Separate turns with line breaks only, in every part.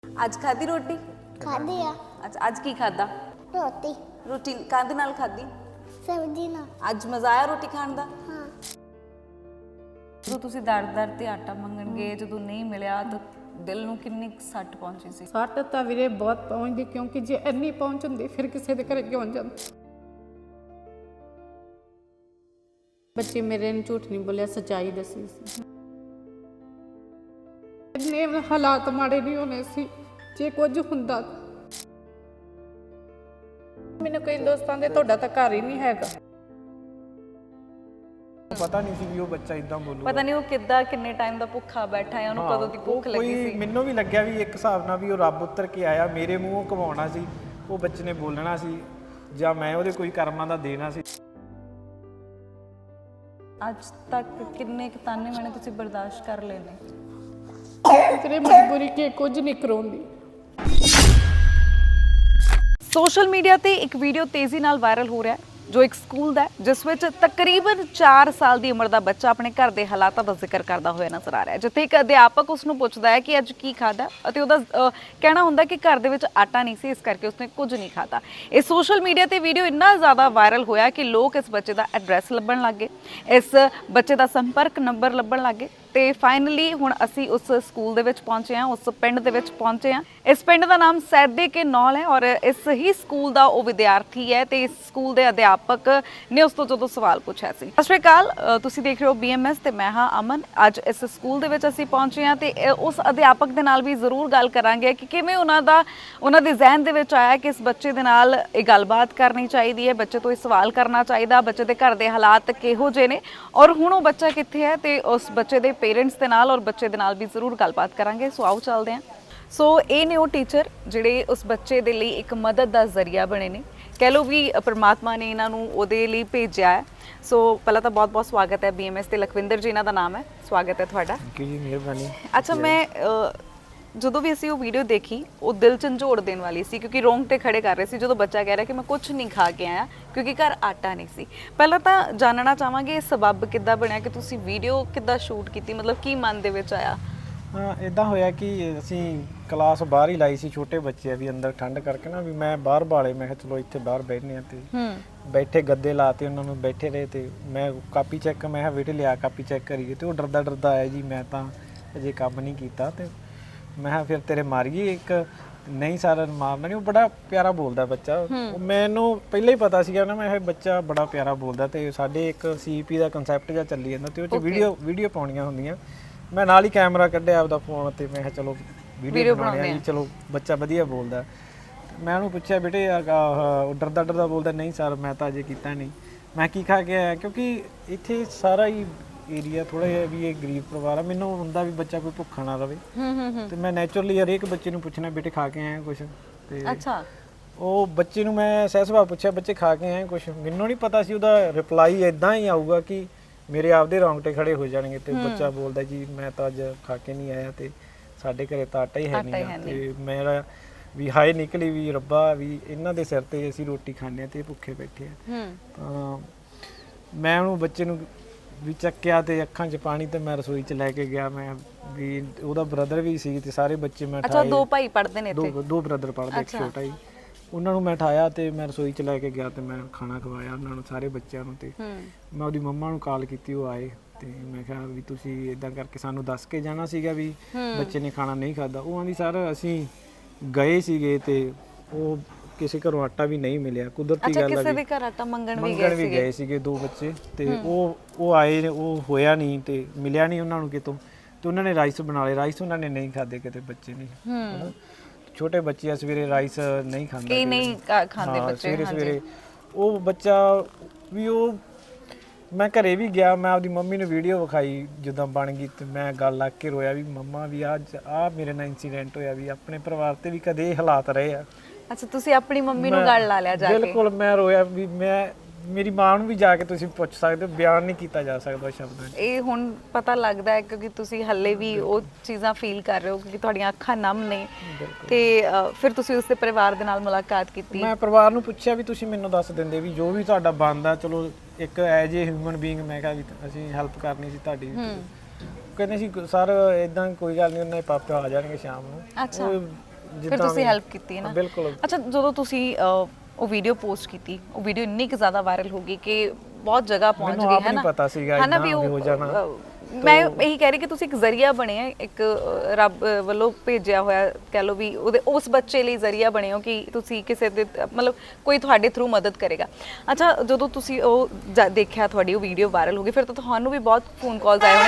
ਅੱਜ ਖਾਧੀ ਰੋਟੀ?
ਖਾਧੀ ਆ।
ਅੱਛਾ, ਅੱਜ ਕੀ ਖਾਧਾ?
ਰੋਟੀ
ਰੋਟੀ ਕਾਹਦੇ ਨਾਲ ਖਾਧੀ?
ਸਬਜ਼ੀ ਨਾਲ।
ਅੱਜ ਮਜ਼ਾ ਆਇਆ ਰੋਟੀ ਖਾਣ ਦਾ?
ਹਾਂ।
ਜਦੋਂ ਤੁਸੀਂ ਦਰ ਤੇ ਆਟਾ ਮੰਗਣ ਗਏ, ਜਦੋਂ ਨਹੀਂ ਮਿਲਿਆ ਤਾਂ ਦਿਲ ਨੂੰ ਕਿੰਨੀ ਕੁ ਸੱਟ ਪਹੁੰਚੀ ਸੀ?
ਸੱਟ ਤਾਂ ਵੀਰੇ ਬਹੁਤ ਪਹੁੰਚਦੀ, ਕਿਉਂਕਿ ਜੇ ਇੰਨੀ ਪਹੁੰਚ ਹੁੰਦੀ ਫਿਰ ਕਿਸੇ ਦੇ ਘਰੇ ਕਿਉਂ ਜਾਂਦੇ। ਬੱਚੇ ਮੇਰੇ ਨੇ ਝੂਠ ਨਹੀਂ ਬੋਲਿਆ, ਸੱਚਾਈ ਦੱਸੀ ਸੀ। ਇੰਨੇ ਹਾਲਾਤ ਮਾੜੇ ਨਹੀਂ ਹੋਣੇ ਸੀ ਜੇ ਕੁਝ ਹੁੰਦਾ। ਮੈਨੂੰ ਕਈ ਦੋਸਤਾਂ ਦੇ ਤੁਹਾਡਾ ਤਾਂ ਘਰ ਹੀ ਨਹੀਂ ਹੈਗਾ।
ਪਤਾ ਨਹੀਂ ਸੀ ਵੀ ਉਹ ਬੱਚਾ ਇਦਾਂ ਬੋਲੂਗਾ।
ਪਤਾ ਨਹੀਂ ਉਹ ਕਿੱਦਾਂ ਕਿੰਨੇ ਟਾਈਮ ਦਾ ਭੁੱਖਾ ਬੈਠਾ ਹੈ, ਉਹਨੂੰ ਕਦੋਂ ਦੀ ਭੁੱਖ ਲੱਗੀ ਸੀ।
ਮੈਨੂੰ ਵੀ ਲੱਗਿਆ ਵੀ ਇੱਕ ਹਿਸਾਬ ਨਾਲ ਵੀ ਉਹ ਰੱਬ ਉੱਤਰ ਕੇ ਆਇਆ, ਮੇਰੇ ਮੂੰਹੋਂ ਕਵਾਉਣਾ ਸੀ, ਉਹ ਬੱਚੇ ਨੇ ਬੋਲਣਾ ਸੀ ਜਾਂ ਮੈਂ ਉਹਦੇ ਕੋਈ ਕਰਮਾਂ ਦਾ ਦੇਣਾ ਸੀ।
ਅੱਜ ਤੱਕ ਕਿੰਨੇ ਕੁ ਤਾਨੇ ਮੈਨੇ ਤੁਸੀਂ ਬਰਦਾਸ਼ਤ ਕਰ ਲਏ ਨੇ?
ਤੇਰੇ ਮਜਬੂਰੀ ਕਿ ਕੁਝ ਨਹੀਂ ਕਰਾਉਂਦੀ।
ਸੋਸ਼ਲ ਮੀਡੀਆ ਤੇ ਇੱਕ ਵੀਡੀਓ ਤੇਜ਼ੀ ਨਾਲ ਵਾਇਰਲ ਹੋ ਰਿਹਾ ਹੈ ਜੋ ਇੱਕ ਸਕੂਲ ਦਾ ਹੈ, ਜਿਸ ਵਿੱਚ ਤਕਰੀਬਨ 4 ਸਾਲ ਦੀ ਉਮਰ ਦਾ ਬੱਚਾ ਆਪਣੇ ਘਰ ਦੇ ਹਾਲਾਤਾਂ ਦਾ ਜ਼ਿਕਰ ਕਰਦਾ ਹੋਇਆ ਨਜ਼ਰ ਆ ਰਿਹਾ ਹੈ, ਜਿੱਥੇ ਇੱਕ ਅਧਿਆਪਕ ਉਸ ਨੂੰ ਪੁੱਛਦਾ ਹੈ ਕਿ ਅੱਜ ਕੀ ਖਾਧਾ, ਅਤੇ ਉਹਦਾ ਕਹਿਣਾ ਹੁੰਦਾ ਕਿ ਘਰ ਦੇ ਵਿੱਚ ਆਟਾ ਨਹੀਂ ਸੀ, ਇਸ ਕਰਕੇ ਉਸਨੇ ਕੁਝ ਨਹੀਂ ਖਾਧਾ। ਇਹ ਸੋਸ਼ਲ ਮੀਡੀਆ ਤੇ ਵੀਡੀਓ ਇੰਨਾ ਜ਼ਿਆਦਾ ਵਾਇਰਲ ਹੋਇਆ ਕਿ ਲੋਕ ਇਸ ਬੱਚੇ ਦਾ ਐਡਰੈਸ ਲੱਭਣ ਲੱਗੇ, ਇਸ ਬੱਚੇ ਦਾ ਸੰਪਰਕ ਨੰਬਰ ਲੱਭਣ ਲੱਗੇ, ਤੇ ਫਾਈਨਲੀ ਹੁਣ ਅਸੀਂ ਉਸ ਸਕੂਲ ਦੇ ਵਿੱਚ ਪਹੁੰਚੇ ਹਾਂ, ਉਸ ਪਿੰਡ ਦੇ ਵਿੱਚ ਪਹੁੰਚੇ ਹਾਂ। ਇਸ ਪਿੰਡ ਦਾ ਨਾਮ ਸੈਦੇ ਕੇ ਨੌਲ ਹੈ ਔਰ ਇਸ ਹੀ ਸਕੂਲ ਦਾ ਉਹ ਵਿਦਿਆਰਥੀ ਹੈ ਤੇ ਇਸ ਸਕੂਲ ਦੇ ਅਧਿਆਪਕ ਨੇ ਉਸ ਤੋਂ ਜਦੋਂ ਸਵਾਲ ਪੁੱਛਿਆ ਸੀ। ਸਤਿ ਸ਼੍ਰੀ ਅਕਾਲ, ਤੁਸੀਂ ਦੇਖ ਰਹੇ ਹੋ BMS ਤੇ ਮੈਂ ਹਾਂ ਅਮਨ। ਅੱਜ ਇਸ ਸਕੂਲ ਦੇ ਵਿੱਚ ਅਸੀਂ ਪਹੁੰਚੇ ਹਾਂ ਤੇ ਉਸ ਅਧਿਆਪਕ ਦੇ ਨਾਲ ਵੀ ਜ਼ਰੂਰ ਗੱਲ ਕਰਾਂਗੇ ਕਿ ਕਿਵੇਂ ਉਹਨਾਂ ਦੇ ਜ਼ਿਹਨ ਦੇ ਵਿੱਚ ਆਇਆ ਕਿ ਇਸ ਬੱਚੇ ਦੇ ਨਾਲ ਇਹ ਗੱਲਬਾਤ ਕਰਨੀ ਚਾਹੀਦੀ ਹੈ, ਬੱਚੇ ਤੋਂ ਇਹ ਸਵਾਲ ਕਰਨਾ ਚਾਹੀਦਾ, ਬੱਚੇ ਦੇ ਘਰ ਦੇ ਹਾਲਾਤ ਕਿਹੋ ਜਿਹੇ ਨੇ ਔਰ ਹੁਣ ਉਹ ਬੱਚਾ ਕਿੱਥੇ ਹੈ, ਤੇ ਉਸ ਬੱਚੇ ਦੇ ਪੇਰੈਂਟਸ ਦੇ ਨਾਲ ਔਰ ਬੱਚੇ ਦੇ ਨਾਲ ਵੀ ਜ਼ਰੂਰ ਗੱਲਬਾਤ ਕਰਾਂਗੇ। ਸੋ ਆਓ ਚੱਲਦੇ ਹਾਂ। ਸੋ ਇਹ ਨੇ ਉਹ ਟੀਚਰ ਜਿਹੜੇ ਉਸ ਬੱਚੇ ਦੇ ਲਈ ਇੱਕ ਮਦਦ ਦਾ ਜ਼ਰੀਆ ਬਣੇ ਨੇ, ਕਹਿ ਲਓ ਵੀ ਪਰਮਾਤਮਾ ਨੇ ਇਹਨਾਂ ਨੂੰ ਉਹਦੇ ਲਈ ਭੇਜਿਆ ਹੈ। ਸੋ ਪਹਿਲਾਂ ਤਾਂ ਬਹੁਤ-ਬਹੁਤ ਸਵਾਗਤ ਹੈ BMS ਤੇ। ਲਖਵਿੰਦਰ ਜੀ ਇਹਨਾਂ ਦਾ ਨਾਮ ਹੈ, ਸਵਾਗਤ ਹੈ ਤੁਹਾਡਾ।
ਥੈਂਕ ਯੂ ਜੀ, ਮਿਹਰਬਾਨੀ।
ਅੱਛਾ, ਮੈਂ ਜਦੋਂ ਵੀ ਅਸੀਂ ਉਹ ਵੀਡੀਓ ਦੇਖੀ ਉਹ ਦਿਲ ਝੰਜੋੜ ਦੇਣ ਵਾਲੀ ਸੀ, ਕਿਉਂਕਿ ਰੋਂਗਟੇ ਖੜੇ ਕਰ ਰਹੇ ਸੀ ਜਦੋਂ ਬੱਚਾ ਕਹਿ ਰਿਹਾ ਕਿ ਮੈਂ ਕੁਝ ਨਹੀਂ ਖਾ ਕੇ ਆਇਆ ਕਿਉਂਕਿ ਘਰ ਆਟਾ ਨਹੀਂ ਸੀ। ਪਹਿਲਾਂ ਤਾਂ ਜਾਣਨਾ ਚਾਹਾਂਗੇ ਇਹ ਸਬੱਬ ਕਿੱਦਾਂ ਬਣਿਆ ਕਿ ਤੁਸੀਂ ਵੀਡੀਓ ਕਿੱਦਾਂ ਸ਼ੂਟ ਕੀਤੀ, ਮਤਲਬ ਕੀ ਮਨ ਦੇ ਵਿੱਚ ਆਇਆ?
ਹਾਂ, ਇਦਾਂ ਹੋਇਆ ਕਿ ਅਸੀਂ ਕਲਾਸ ਬਾਹਰ ਹੀ ਲਾਈ ਸੀ, ਛੋਟੇ ਬੱਚੇ ਆ ਵੀ ਅੰਦਰ ਠੰਡ ਕਰਕੇ ਨਾ, ਵੀ ਮੈਂ ਬਾਹਰ ਬਾਲੇ, ਮੈਂ ਕਿਹਾ ਚਲੋ ਇੱਥੇ ਬਾਹਰ ਬੈਠਨੇ ਆ, ਤੇ ਬੈਠੇ ਗੱਦੇ ਲਾਤੇ ਉਹਨਾਂ ਨੂੰ, ਬੈਠੇ ਰਹੇ ਤੇ ਮੈਂ ਕਾਪੀ ਚੈੱਕ, ਮੈਂ ਕਿਹਾ ਬੇਟੇ ਲਿਆ ਕਾਪੀ ਚੈੱਕ ਕਰੀਏ, ਤੇ ਉਹ ਡਰਦਾ ਆਇਆ ਜੀ ਮੈਂ ਤਾਂ ਅਜੇ ਕੰਮ ਨਹੀਂ ਕੀਤਾ, ਤੇ ਮੈਂ ਕਿਹਾ ਫਿਰ ਤੇਰੇ ਮਾਰੀਏ ਇੱਕ। ਨਹੀਂ ਸਰ ਮਾਰਨਾ ਨਹੀਂ, ਉਹ ਬੜਾ ਪਿਆਰਾ ਬੋਲਦਾ ਬੱਚਾ, ਮੈਨੂੰ ਪਹਿਲਾਂ ਹੀ ਪਤਾ ਸੀਗਾ ਨਾ, ਮੈਂ ਇਹ ਬੱਚਾ ਬੜਾ ਪਿਆਰਾ ਬੋਲਦਾ, ਤੇ ਸਾਡੇ ਇੱਕ CP ਦਾ ਕਨਸੈਪਟ ਜਿਹਾ ਚੱਲੀ ਜਾਂਦਾ ਤੇ ਉਹ 'ਚ ਵੀਡੀਓ ਪਾਉਣੀਆਂ ਹੁੰਦੀਆਂ। ਮੈਂ ਨਾਲ ਹੀ ਕੈਮਰਾ ਕੱਢਿਆ ਆਪਦਾ ਫੋਨ ਤੇ, ਮੈਂ ਕਿਹਾ ਚਲੋ ਵੀਡੀਓ ਬਣਾਉਣੀ ਆ ਜੀ, ਚਲੋ ਬੱਚਾ ਵਧੀਆ ਬੋਲਦਾ। ਮੈਂ ਉਹਨੂੰ ਪੁੱਛਿਆ ਬੇਟੇ ਉਹ ਡਰਦਾ ਬੋਲਦਾ, ਨਹੀਂ ਸਰ ਮੈਂ ਤਾਂ ਅਜੇ ਕੀਤਾ ਨਹੀਂ। ਮੈਂ ਕੀ ਖਾ ਕੇ ਆਇਆ, ਕਿਉਂਕਿ ਇੱਥੇ ਸਾਰਾ ਹੀ ਏਰੀਆ ਥੋੜਾ ਜਿਹਾ ਵੀ ਇਹ ਗਰੀਬ ਪਰਿਵਾਰ ਆ, ਮੈਨੂੰ ਹੁੰਦਾ ਵੀ ਬੱਚਾ ਕੋਈ ਭੁੱਖਾ ਨਾ ਰਵੇ, ਤੇ ਮੈਂ ਨੈਚੁਰਲੀ ਹਰੇਕ ਬੱਚੇ ਨੂੰ ਪੁੱਛਣਾ ਬੇਟੇ ਖਾ ਕੇ ਆਇਆ ਕੁਛ, ਤੇ
ਅੱਛਾ
ਉਹ ਬੱਚੇ ਨੂੰ ਮੈਂ ਸਹਿ ਸੁਭਾਅ ਪੁੱਛਿਆ ਬੱਚੇ ਖਾ ਕੇ ਆਏ ਕੁਛ, ਮੈਨੂੰ ਨਹੀਂ ਪਤਾ ਸੀ ਉਹਦਾ ਰਿਪਲਾਈ ਇਦਾਂ ਹੀ ਆਊਗਾ ਕਿ ਮੇਰੇ ਆਪਦੇ ਰੌਂਗਟੇ ਖੜੇ ਹੋ ਜਾਣਗੇ, ਤੇ ਬੱਚਾ ਬੋਲਦਾ ਜੀ ਮੈਂ ਤਾਂ ਅੱਜ ਖਾ ਕੇ ਨਹੀਂ ਆਇਆ, ਤੇ ਸਾਡੇ ਘਰੇ ਤਾਂ ਆਟਾ ਹੀ ਹੈ ਨਹੀਂ, ਤੇ ਮੇਰਾ ਵੀ ਹਾਏ ਨਿਕਲੀ ਵੀ ਰੱਬਾ ਵੀ ਇਹਨਾਂ ਦੇ ਸਿਰ ਤੇ ਅਸੀਂ ਰੋਟੀ ਖਾਂਦੇ ਆ ਤੇ ਭੁੱਖੇ ਬੈਠੇ ਆ। ਤਾਂ ਮੈਂ ਉਹਨੂੰ ਬੱਚੇ ਨੂੰ ਵੀ ਚੱਕਿਆ ਤੇ ਅੱਖਾਂ 'ਚ ਪਾਣੀ, ਤੇ ਮੈਂ ਰਸੋਈ 'ਚ ਲੈ ਕੇ ਗਿਆ। ਮੈਂ ਵੀ ਉਹਦਾ ਬ੍ਰਦਰ ਵੀ ਸੀ ਤੇ ਸਾਰੇ ਬੱਚੇ ਮੈਂ
ਅੱਛਾ, ਦੋ ਭਾਈ ਪੜ੍ਹਦੇ ਨੇ ਇੱਥੇ?
ਦੋ ਬ੍ਰਦਰ ਪੜ੍ਹਦੇ, ਇੱਕ ਛੋਟਾ ਹੀ। ਉਹਨਾਂ ਨੂੰ ਮੈਂ ਉਠਾਇਆ ਤੇ ਮੈਂ ਰਸੋਈ 'ਚ ਲੈ ਕੇ ਗਿਆ ਤੇ ਮੈਂ ਖਾਣਾ ਖਵਾਇਆ ਉਹਨਾਂ ਨੂੰ, ਸਾਰੇ ਬੱਚਿਆਂ ਨੂੰ, ਤੇ ਮੈਂ ਉਹਦੀ ਮੰਮਾ ਨੂੰ ਕਾਲ ਕੀਤੀ, ਉਹ ਆਏ, ਤੇ ਮੈਂ ਕਿਹਾ ਵੀ ਤੁਸੀਂ ਇਦਾਂ ਕਰਕੇ ਸਾਨੂੰ ਦੱਸ ਕੇ ਜਾਣਾ ਸੀਗਾ ਵੀ ਬੱਚੇ ਨੇ ਖਾਣਾ ਨਹੀਂ ਖਾਧਾ। ਉਹ ਆਂਦੀ ਸਰ ਅਸੀਂ ਗਏ ਸੀਗੇ ਤੇ ਉਹ ਕਿਸੇ ਘਰੋਂ ਆਟਾ ਵੀ ਨਹੀਂ ਮਿਲਿਆ, ਕੁਦਰਤੀ ਗੱਲ ਆ,
ਕਿਸੇ ਦੇ ਘਰ ਆਟਾ ਮੰਗਣ ਵੀ
ਗਏ ਸੀਗੇ ਦੋ ਬੱਚੇ, ਤੇ ਉਹ ਆਏ, ਉਹ ਹੋਇਆ ਨਹੀਂ ਤੇ ਮਿਲਿਆ ਨਹੀਂ ਉਹਨਾਂ ਨੂੰ ਕਿਤੋਂ, ਤੇ ਉਹਨਾਂ ਨੇ ਰਾਈਸ ਬਣਾ ਲਏ। ਰਾਈਸ ਉਹਨਾਂ ਨੇ ਨਹੀਂ ਖਾਦੇ ਕਿਤੇ ਬੱਚੇ ਨੇ, ਛੋਟੇ ਬੱਚੇ ਆ, ਸਵੇਰੇ ਰਾਈਸ ਨਹੀਂ ਖਾਂਦੇ,
ਕਈ ਨਹੀਂ ਖਾਂਦੇ ਬੱਚੇ
ਸਵੇਰੇ। ਉਹ ਬੱਚਾ ਵੀ ਉਹ ਮੈਂ ਘਰੇ ਵੀ ਗਿਆ, ਮੈਂ ਆਪਦੀ ਮੰਮੀ ਨੂੰ ਵੀਡੀਓ ਵਿਖਾਈ ਜਦੋਂ ਬਣ ਗਈ, ਤੇ ਮੈਂ ਗੱਲ ਲੱਗ ਕੇ ਰੋਇਆ ਵੀ ਮੰਮਾ ਵੀ ਅੱਜ ਮੇਰੇ ਨਾਲ ਇੰਸੀਡੈਂਟ ਹੋਇਆ, ਵੀ ਆਪਣੇ ਪਰਿਵਾਰ ਤੇ ਵੀ ਕਦੇ ਇਹ ਹਾਲਾਤ ਰਹੇ ਆ।
ਅੱਛਾ, ਤੁਸੀਂ ਆਪਣੀ ਮੰਮੀ ਨੂੰ ਗੱਲ ਲਾ ਲਿਆ ਜਾ ਕੇ?
ਬਿਲਕੁਲ, ਮੈਂ ਰੋਇਆ ਵੀ ਮੇਰੀ ਮਾਂ ਨੂੰ ਵੀ ਜਾ ਕੇ ਤੁਸੀਂ ਪੁੱਛ ਸਕਦੇ ਹੋ, ਬਿਆਨ ਨਹੀਂ ਕੀਤਾ ਜਾ ਸਕਦਾ ਸ਼ਬਦਾਂ 'ਚ।
ਇਹ ਹੁਣ ਪਤਾ ਲੱਗਦਾ ਹੈ ਕਿਉਂਕਿ ਤੁਸੀਂ ਹੱਲੇ ਵੀ ਉਹ ਚੀਜ਼ਾਂ ਫੀਲ ਕਰ ਰਹੇ ਹੋ ਕਿਉਂਕਿ ਤੁਹਾਡੀਆਂ ਅੱਖਾਂ ਨਮ ਨੇ, ਤੇ ਫਿਰ ਤੁਸੀਂ ਉਸਦੇ ਪਰਿਵਾਰ ਦੇ ਨਾਲ ਮੁਲਾਕਾਤ ਕੀਤੀ?
ਮੈਂ ਪਰਿਵਾਰ ਨੂੰ ਪੁੱਛਿਆ ਵੀ ਤੁਸੀਂ ਮੈਨੂੰ ਦੱਸ ਦਿੰਦੇ ਵੀ ਜੋ ਵੀ ਤੁਹਾਡਾ ਬਣਦਾ, ਚਲੋ ਇੱਕ ਐਜ ਏ ਹਿਊਮਨ ਬੀਇੰਗ, ਮੈਂ ਕਿਹਾ ਵੀ ਅਸੀਂ ਹੈਲਪ ਕਰਨੀ ਸੀ ਤੁਹਾਡੀ। ਕਹਿੰਦੇ ਸੀ ਸਰ ਇਦਾਂ ਕੋਈ ਗੱਲ ਨਹੀਂ, ਉਹਨਾਂ ਦੇ ਪਾਪਾ ਆ ਜਾਣਗੇ ਸ਼ਾਮ ਨੂੰ।
ਅੱਛਾ, ਫਿਰ ਤੁਸੀਂ ਹੈਲਪ ਕੀਤੀ ਹੈ ਨਾ।
ਬਿਲਕੁਲ।
ਅੱਛਾ, ਜਦੋਂ ਤੁਸੀਂ ਉਹ ਵੀਡੀਓ ਪੋਸਟ ਕੀਤੀ, ਉਹ ਵੀਡੀਓ ਇੰਨੀ ਕੁ ਜ਼ਿਆਦਾ ਵਾਇਰਲ ਹੋ ਗਈ ਕਿ ਬਹੁਤ ਜਗ੍ਹਾ ਪਹੁੰਚ
ਮੈਨੂੰ
ਗਈ
ਆਪ
ਹੈ
ਨਹੀਂ
ਨਾ,
ਪਤਾ ਸੀਗਾ
ਹੈ ਨਾ
ਇੰਨਾ
ਵੀ
ਵੀ ਹੋ ਜਾਣਾ।
ਮੈਂ ਇਹੀ ਕਹਿ ਰਹੀ ਕਿ ਤੁਸੀਂ ਇੱਕ ਜ਼ਰੀਆ ਬਣੇ ਆ, ਇੱਕ ਰੱਬ ਵੱਲੋਂ ਭੇਜਿਆ ਹੋਇਆ ਕਹਿ ਲਓ ਵੀ ਉਹਦੇ ਉਸ ਬੱਚੇ ਲਈ ਜ਼ਰੀਆ ਬਣੇ ਹੋ ਕਿ ਤੁਸੀਂ ਕਿਸੇ ਦੇ ਮਤਲਬ ਕੋਈ ਤੁਹਾਡੇ ਥਰੂ ਮਦਦ ਕਰੇਗਾ। ਅੱਛਾ, ਜਦੋਂ ਤੁਸੀਂ ਉਹ ਦੇਖਿਆ, ਤੁਹਾਡੀ ਉਹ ਵੀਡੀਓ ਵਾਇਰਲ ਹੋ ਗਈ, ਫਿਰ ਤਾਂ ਤੁਹਾਨੂੰ ਵੀ ਬਹੁਤ ਫੋਨ ਕਾਲਸ ਆਏ ਹੋਣੇ,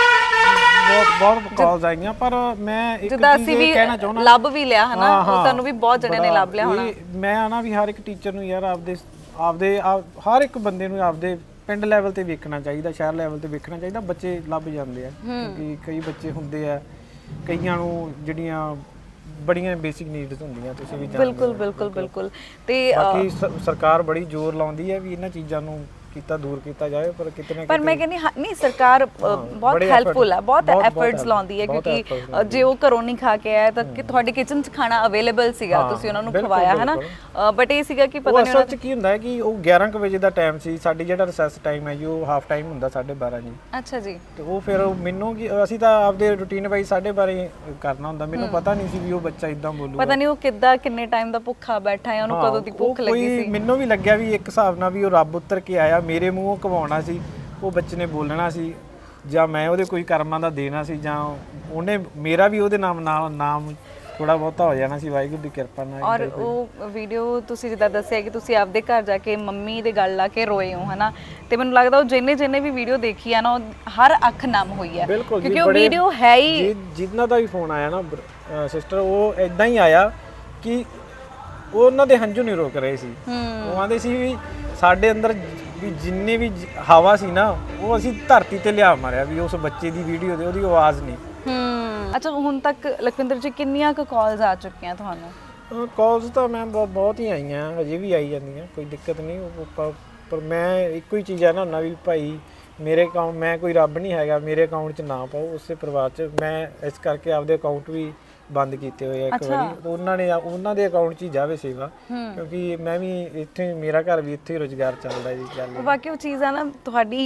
ਕਿਉਂਕਿ
ਬਹੁਤ ਕਾਲਸ ਆਈਆਂ, ਪਰ ਮੈਂ ਇੱਕ
ਜਿੱਦਾਂ
ਚੀਜ਼
ਅਸੀਂ
ਇਹ
ਵੀ
ਕਹਿਣਾ ਚਾਹੁੰਦਾ,
ਲੱਭ ਵੀ ਲਿਆ ਹਨਾ, ਉਹ ਤੁਹਾਨੂੰ ਵੀ ਬਹੁਤ ਜਣਿਆਂ ਨੇ ਲੱਭ ਲਿਆ ਹੋਣਾ।
ਮੈਂ ਆਣਾ ਵੀ ਹਰ ਇੱਕ ਟੀਚਰ ਨੂੰ ਯਾਰ ਆਪਦੇ ਹਰ ਇੱਕ ਬੰਦੇ ਨੂੰ ਆਪਦੇ ਪਿੰਡ ਲੈਵਲ ਤੇ ਵੇਖਣਾ ਚਾਹੀਦਾ, ਸ਼ਹਿਰ ਲੈਵਲ ਤੇ ਵੇਖਣਾ ਚਾਹੀਦਾ। ਬੱਚੇ ਲੱਭ ਜਾਂਦੇ ਆ, ਕਿਉਂਕਿ ਕਈ ਬੱਚੇ ਹੁੰਦੇ ਆ, ਕਈਆਂ ਨੂੰ ਜਿਹੜੀਆਂ ਬੜੀਆਂ ਬੇਸਿਕ ਨੀਡਸ ਹੁੰਦੀਆਂ, ਤੁਸੀਂ ਵੀ ਜਾਣਦੇ ਹੋ।
ਬਿਲਕੁਲ। ਤੇ
ਬਾਕੀ ਸਰਕਾਰ ਬੜੀ ਜ਼ੋਰ ਲਾਉਂਦੀ ਹੈ ਵੀ ਇਹਨਾਂ ਚੀਜ਼ਾਂ ਨੂੰ ਦੂਰ ਕੀਤਾ ਜਾਏ, ਪਰ ਕਿਤੇ ਨਾ ਕਿਤੇ
ਪਰ ਮੈਂ ਕਹਿੰਦੀ ਨਹੀਂ, ਸਰਕਾਰ ਬਹੁਤ ਹੈਲਪਫੁਲ ਹੈ, ਬਹੁਤ ਐਫਰਟਸ ਲਾਉਂਦੀ ਹੈ, ਕਿਉਂਕਿ ਜੇ ਉਹ ਘਰੋਂ ਨਹੀਂ ਖਾ ਕੇ ਆਇਆ ਤਾਂ ਕਿ ਤੁਹਾਡੇ ਕਿਚਨ 'ਚ ਖਾਣਾ ਅਵੇਲੇਬਲ ਸੀਗਾ, ਤੁਸੀਂ ਉਹਨਾਂ ਨੂੰ ਖਵਾਇਆ ਹੈ ਨਾ। ਬਟ ਇਹ ਸੀਗਾ ਕਿ ਪਤਾ ਨਹੀਂ
ਅਸਲ 'ਚ ਕੀ ਹੁੰਦਾ ਹੈ ਕਿ ਉਹ 11 ਵਜੇ ਦਾ ਟਾਈਮ ਸੀ, ਸਾਡੀ ਜਿਹੜਾ ਰਿਸੈਸ ਟਾਈਮ ਹੈ ਜੀ ਉਹ ਹਾਫ ਟਾਈਮ ਹੁੰਦਾ 12:30 ਜੀ।
ਅੱਛਾ ਜੀ।
ਤੇ ਉਹ ਫਿਰ ਮੈਨੂੰ ਅਸੀਂ ਤਾਂ ਆਪਦੇ ਰੂਟੀਨ ਵਾਈਜ਼ 12:30 ਕਰਨਾ ਹੁੰਦਾ, ਮੈਨੂੰ ਪਤਾ ਨਹੀਂ ਸੀ ਵੀ ਉਹ ਬੱਚਾ ਇਦਾਂ ਬੋਲੂਗਾ।
ਪਤਾ ਨਹੀਂ ਉਹ ਕਿੱਦਾਂ ਕਿੰਨੇ ਟਾਈਮ ਦਾ ਭੁੱਖਾ ਬੈਠਾ ਹੈ, ਉਹਨੂੰ ਕਦੋਂ ਦੀ ਭੁੱਖ ਲੱਗੀ ਸੀ।
ਮੈਨੂੰ ਵੀ ਲੱਗਿਆ ਵੀ ਇੱਕ ਹਿਸਾਬ ਨਾਲ ਵੀ ਉਹ ਰੱਬ ਉੱਤਰ ਕੇ ਆਇਆ, ਮੇਰੇ ਮੂੰਹੋਂ ਕਵਾਉਣਾ ਸੀ, ਉਹ ਬੱਚੇ ਨੇ ਬੋਲਣਾ ਸੀ, ਜਾਂ ਮੈਂ ਉਹਦੇ ਕੋਈ ਕਰਮਾਂ ਦਾ ਦੇਣਾ ਸੀ, ਜਾਂ ਉਹਨੇ ਮੇਰਾ ਵੀ ਉਹਦੇ ਨਾਮ ਥੋੜਾ ਬਹੁਤਾ ਹੋ ਜਾਣਾ ਸੀ, ਵਾਹਿਗੁਰੂ ਦੀ ਕਿਰਪਾ ਨਾਲ।
ਔਰ ਉਹ ਵੀਡੀਓ ਤੁਸੀਂ ਜਿੱਦਾਂ ਦੱਸਿਆ ਕਿ ਤੁਸੀਂ ਆਪਦੇ ਘਰ ਜਾ ਕੇ ਮੰਮੀ ਦੇ ਗੱਲ ਲਾ ਕੇ ਰੋਏ ਹੋ ਹਨਾ, ਤੇ ਮੈਨੂੰ ਲੱਗਦਾ ਉਹ ਜਿੰਨੇ ਵੀ ਵੀਡੀਓ ਦੇਖੀ ਆ ਨਾ, ਉਹ ਹਰ ਅੱਖ ਨਮ ਹੋਈ ਹੈ, ਕਿਉਂਕਿ ਉਹ ਵੀਡੀਓ ਹੈ ਹੀ।
ਜਿਨ੍ਹਾਂ ਦਾ ਵੀ ਫੋਨ ਆਇਆ ਨਾ ਸਿਸਟਰ, ਉਹ ਇਦਾਂ ਹੀ ਆਇਆ ਕਿ ਉਹ ਉਹਨਾਂ ਦੇ ਹੰਝੂ ਨਹੀਂ ਰੋਕ ਰਹੇ ਸੀ। ਉਹ ਆਂਦੇ ਸੀ ਵੀ ਸਾਡੇ ਅੰਦਰ ਵੀ ਜਿੰਨੇ ਵੀ ਹਵਾ ਸੀ ਨਾ, ਉਹ ਅਸੀਂ ਧਰਤੀ ਤੇ ਲਿਆ ਮਾਰਿਆ ਵੀ ਉਸ ਬੱਚੇ ਦੀ ਵੀਡੀਓ ਦੇ, ਉਹਦੀ ਆਵਾਜ਼ ਨਹੀਂ।
ਅੱਛਾ, ਹੁਣ ਤੱਕ ਲਖਵਿੰਦਰ ਜੀ ਕਿੰਨੀਆਂ ਕੁ ਕਾਲਸ ਆ ਚੁੱਕੀਆਂ ਤੁਹਾਨੂੰ?
ਕਾਲਸ ਤਾਂ ਮੈਂ ਬਹੁਤ ਹੀ ਆਈਆਂ, ਹਜੇ ਵੀ ਆਈ ਜਾਂਦੀਆਂ, ਕੋਈ ਦਿੱਕਤ ਨਹੀਂ। ਪਰ ਮੈਂ ਇੱਕੋ ਹੀ ਚੀਜ਼ ਹੈ ਨਾ ਵੀ ਭਾਈ ਮੇਰੇ ਅਕਾਊਂਟ, ਮੈਂ ਕੋਈ ਰੱਬ ਨਹੀਂ ਹੈਗਾ, ਮੇਰੇ ਅਕਾਊਂਟ 'ਚ ਨਾ ਪਾਓ। ਉਸੇ ਪਰਿਵਾਰ 'ਚ ਮੈਂ ਇਸ ਕਰਕੇ ਆਪਦੇ ਅਕਾਊਂਟ ਵੀ ਬੰਦ ਕੀਤੇ ਹੋਏ ਆ ਇੱਕ ਵਾਰੀ, ਉਹਨਾਂ ਦੇ ਅਕਾਊਂਟ 'ਚ ਹੀ ਜਾਵੇ ਸੇਵਾ, ਕਿਉਂਕਿ ਮੈਂ ਵੀ ਇੱਥੇ, ਮੇਰਾ ਘਰ ਵੀ ਇੱਥੇ ਹੀ ਰੁਜ਼ਗਾਰ ਚੱਲਦਾ ਜੀ।
ਬਾਕੀ ਉਹ ਚੀਜ਼ ਆ ਨਾ, ਤੁਹਾਡੀ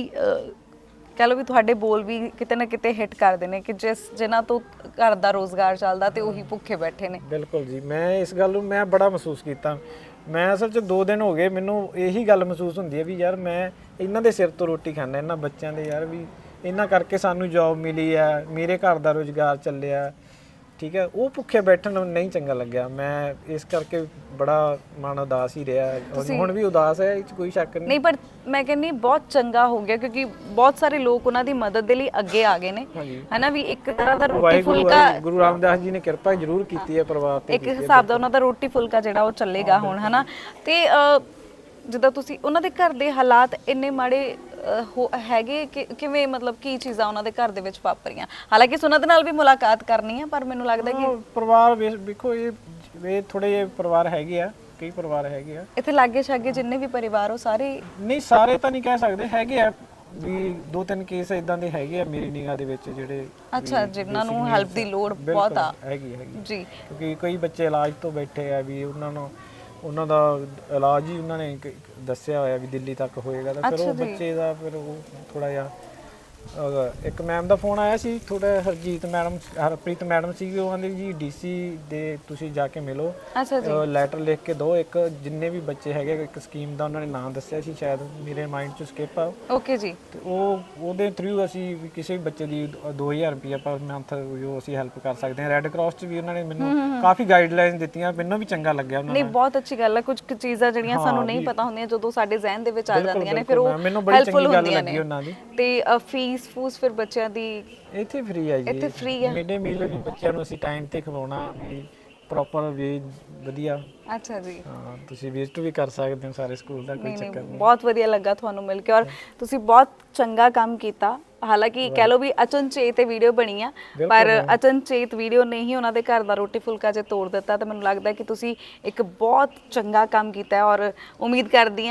ਕਹ ਲਓ ਵੀ ਤੁਹਾਡੇ ਬੋਲ ਵੀ ਕਿਤੇ ਨਾ ਕਿਤੇ ਹਿੱਟ ਕਰਦੇ ਨੇ ਕਿ ਜਿਨ੍ਹਾਂ ਤੋਂ ਘਰ ਦਾ ਰੋਜ਼ਗਾਰ ਚੱਲਦਾ ਤੇ ਉਹੀ ਭੁੱਖੇ ਬੈਠੇ ਨੇ।
ਬਿਲਕੁਲ ਜੀ, ਮੈਂ ਇਸ ਗੱਲ ਨੂੰ ਮੈਂ ਬੜਾ ਮਹਿਸੂਸ ਕੀਤਾ। ਮੈਂ ਅਸਲ 'ਚ 2 ਦਿਨ ਹੋ ਗਏ ਮੈਨੂੰ ਇਹੀ ਗੱਲ ਮਹਿਸੂਸ ਹੁੰਦੀ ਹੈ ਵੀ ਯਾਰ ਮੈਂ ਇਹਨਾਂ ਦੇ ਸਿਰ ਤੋਂ ਰੋਟੀ ਖਾਂਦਾ, ਇਹਨਾਂ ਬੱਚਿਆਂ ਦੇ, ਯਾਰ ਵੀ ਇਹਨਾਂ ਕਰਕੇ ਸਾਨੂੰ ਜੌਬ ਮਿਲੀ ਆ, ਮੇਰੇ ਘਰ ਦਾ ਰੁਜ਼ਗਾਰ ਚੱਲਿਆ, ਠੀਕ ਹੈ। ਉਹ ਭੁੱਖੇ ਬੈਠਣ ਨੂੰ ਨਹੀਂ ਚੰਗਾ ਲੱਗਿਆ, ਮੈਂ ਇਸ ਕਰਕੇ ਬੜਾ ਮਨ ਉਦਾਸ ਹੀ ਰਿਹਾ, ਹੁਣ ਵੀ ਉਦਾਸ ਹੈ, ਇਹ 'ਚ ਕੋਈ ਸ਼ੱਕ ਨਹੀਂ।
ਪਰ ਮੈਂ ਕਹਿੰਦੀ ਬਹੁਤ ਚੰਗਾ ਹੋ ਗਿਆ, ਕਿਉਂਕਿ ਬਹੁਤ ਸਾਰੇ ਲੋਕ ਉਹਨਾਂ ਦੀ ਮਦਦ ਦੇ ਲਈ ਅੱਗੇ ਆ ਗਏ ਨੇ, ਹੈਨਾ ਵੀ ਇੱਕ ਤਰ੍ਹਾਂ ਦਾ ਰੋਟੀ ਫੁਲਕਾ
ਗੁਰੂ ਰਾਮਦਾਸ ਜੀ ਨੇ ਕਿਰਪਾ ਜ਼ਰੂਰ ਕੀਤੀ ਹੈ ਪਰਿਵਾਰ ਤੇ,
ਇੱਕ ਹਿਸਾਬ ਦਾ ਉਹਨਾਂ ਦਾ ਰੋਟੀ ਫੁਲਕਾ ਜਿਹੜਾ ਉਹ ਚੱਲੇਗਾ ਹੁਣ, ਹੈਨਾ। ਤੇ ਜਿੱਦਾਂ ਤੁਸੀਂ ਉਹਨਾਂ ਦੇ ਘਰ ਦੇ ਹਾਲਾਤ ਇੰਨੇ ਮਾੜੇ ਹੈਗੇ ਕਿ ਕਿਵੇਂ, ਮਤਲਬ ਕੀ ਚੀਜ਼ਾਂ ਉਹਨਾਂ ਦੇ ਘਰ ਦੇ ਵਿੱਚ ਵਾਪਰੀਆਂ? ਹਾਲਾਂਕਿ ਉਹਨਾਂ ਦੇ ਨਾਲ ਵੀ ਮੁਲਾਕਾਤ ਕਰਨੀ ਹੈ, ਪਰ ਮੈਨੂੰ ਲੱਗਦਾ ਕਿ
ਪਰਿਵਾਰ ਵੇਖੋ, ਇਹ ਥੋੜੇ ਜਿਹੇ ਪਰਿਵਾਰ ਹੈਗੇ ਆ, ਕਈ ਪਰਿਵਾਰ ਹੈਗੇ ਆ
ਇੱਥੇ ਲਾਗੇ ਛਾਗੇ ਜਿੰਨੇ ਵੀ ਪਰਿਵਾਰ ਉਹ ਸਾਰੇ
ਨਹੀਂ, ਸਾਰੇ ਤਾਂ ਨਹੀਂ ਕਹਿ ਸਕਦੇ, ਹੈਗੇ ਆ ਵੀ 2-3 ਕੇਸ ਇਦਾਂ ਦੇ ਹੈਗੇ ਆ ਮੇਰੀ ਨਿਗਾਹ ਦੇ ਵਿੱਚ, ਜਿਹੜੇ
ਅੱਛਾ ਜਿਨ੍ਹਾਂ ਨੂੰ ਹੈਲਪ ਦੀ ਲੋੜ ਬਹੁਤ ਆ
ਹੈਗੀ
ਜੀ।
ਕਿਉਂਕਿ ਕਈ ਬੱਚੇ ਇਲਾਜ ਤੋਂ ਬੈਠੇ ਆ, ਵੀ ਉਹਨਾਂ ਦਾ ਇਲਾਜ ਹੀ ਉਹਨਾਂ ਨੇ ਦੱਸਿਆ ਹੋਇਆ ਵੀ ਦਿੱਲੀ ਤੱਕ ਹੋਏਗਾ, ਤਾਂ ਫਿਰ ਉਹ ਬੱਚੇ ਦਾ ਫਿਰ ਉਹ ਥੋੜਾ ਜਿਹਾ ਇੱਕ ਮੈਮ ਦਾ ਫੋਨ ਆਇਆ ਸੀ, ਥੋੜਾ ਹਰਪ੍ਰੀਤ ਮੈਡਮ ਸੀਗੀ, ਉਹ ਕਹਿੰਦੇ ਜੀ ਡੀਸੀ ਦੇ ਤੁਸੀਂ ਜਾ ਕੇ ਮਿਲੋ, ਲੈਟਰ ਲਿਖ ਕੇ ਦਿਓ, ਇੱਕ ਜਿੰਨੇ ਵੀ ਬੱਚੇ ਹੈਗੇ, ਇੱਕ ਸਕੀਮ ਦਾ ਉਹਨਾਂ ਨੇ ਨਾਮ ਦੱਸਿਆ ਸੀ, ਸ਼ਾਇਦ ਮੇਰੇ ਮਾਈਂਡ 'ਚ ਸਕਿਪ ਆ।
ਓਕੇ ਜੀ।
ਤੇ ਉਹਦੇ ਥਰੂ ਅਸੀਂ ਕਿਸੇ ਵੀ ਬੱਚੇ ਦੀ 2000 ਰੁਪਇਆ ਪਰ ਮੰਥ ਜੋ ਅਸੀਂ ਹੈਲਪ ਕਰ ਸਕਦੇ ਹਾਂ। ਰੈੱਡ ਕਰਾਸ 'ਚ ਵੀ ਉਹਨਾਂ ਨੇ ਮੈਨੂੰ ਕਾਫੀ ਗਾਈਡਲਾਈਨ ਦਿੱਤੀਆਂ, ਮੈਨੂੰ ਵੀ ਚੰਗਾ ਲੱਗਿਆ ਉਹਨਾਂ
ਨੇ। ਬਹੁਤ ਅੱਛੀ ਗੱਲ ਹੈ, ਕੁਝ ਚੀਜ਼ਾਂ ਜਿਹੜੀਆਂ ਸਾਨੂੰ ਨਹੀਂ ਪਤਾ ਹੁੰਦੀਆਂ, ਜਦੋਂ ਸਾਡੇ ਜ਼ਿਹਨ ਦੇ ਵਿੱਚ ਆ ਜਾਂਦੀਆਂ ਨੇ, ਫਿਰ ਉਹ ਹੈਲਪਫੁਲ ਹੁੰਦੀਆਂ ਨੇ। ਤੇ ਫੂਸ ਫਿਰ ਬੱਚਿਆਂ ਦੀ
ਇੱਥੇ ਫ੍ਰੀ ਹੈ ਜੀ,
ਇੱਥੇ ਫ੍ਰੀ ਹੈ।
ਮਿਡੇ ਮੀਲ ਵੀ ਬੱਚਿਆਂ ਨੂੰ ਅਸੀਂ ਟਾਈਮ ਤੇ ਖਵਾਉਣਾ, ਪ੍ਰੋਪਰ ਵੇ ਵਧੀਆ।
ਅੱਛਾ ਜੀ,
ਹਾਂ, ਤੁਸੀਂ ਵਿਜ਼ਿਟ ਵੀ ਕਰ ਸਕਦੇ ਹੋ ਸਾਰੇ ਸਕੂਲ ਦਾ, ਕੋਈ ਚੱਕਰ ਨਹੀਂ।
ਬਹੁਤ ਵਧੀਆ ਲੱਗਾ ਤੁਹਾਨੂੰ ਮਿਲ ਕੇ, ਔਰ ਤੁਸੀਂ ਬਹੁਤ ਚੰਗਾ ਕੰਮ ਕੀਤਾ। ਹਾਲਾਂਕਿ ਕਹਿ ਲਓ ਵੀ ਅਚਨਚੇਤ ਇਹ ਵੀਡੀਓ ਬਣੀ ਆ, ਪਰ ਅਚਨਚੇਤ ਵੀਡੀਓ ਨੇ ਹੀ ਉਹਨਾਂ ਦੇ ਘਰ ਦਾ ਰੋਟੀ ਫੁਲਕਾ ਜੇ ਤੋੜ ਦਿੱਤਾ। ਤਾਂ ਮੈਨੂੰ ਲੱਗਦਾ ਕਿ ਤੁਸੀਂ ਇੱਕ ਬਹੁਤ ਚੰਗਾ ਕੰਮ ਕੀਤਾ ਹੈ, ਔਰ ਉਮੀਦ ਕਰਦੇ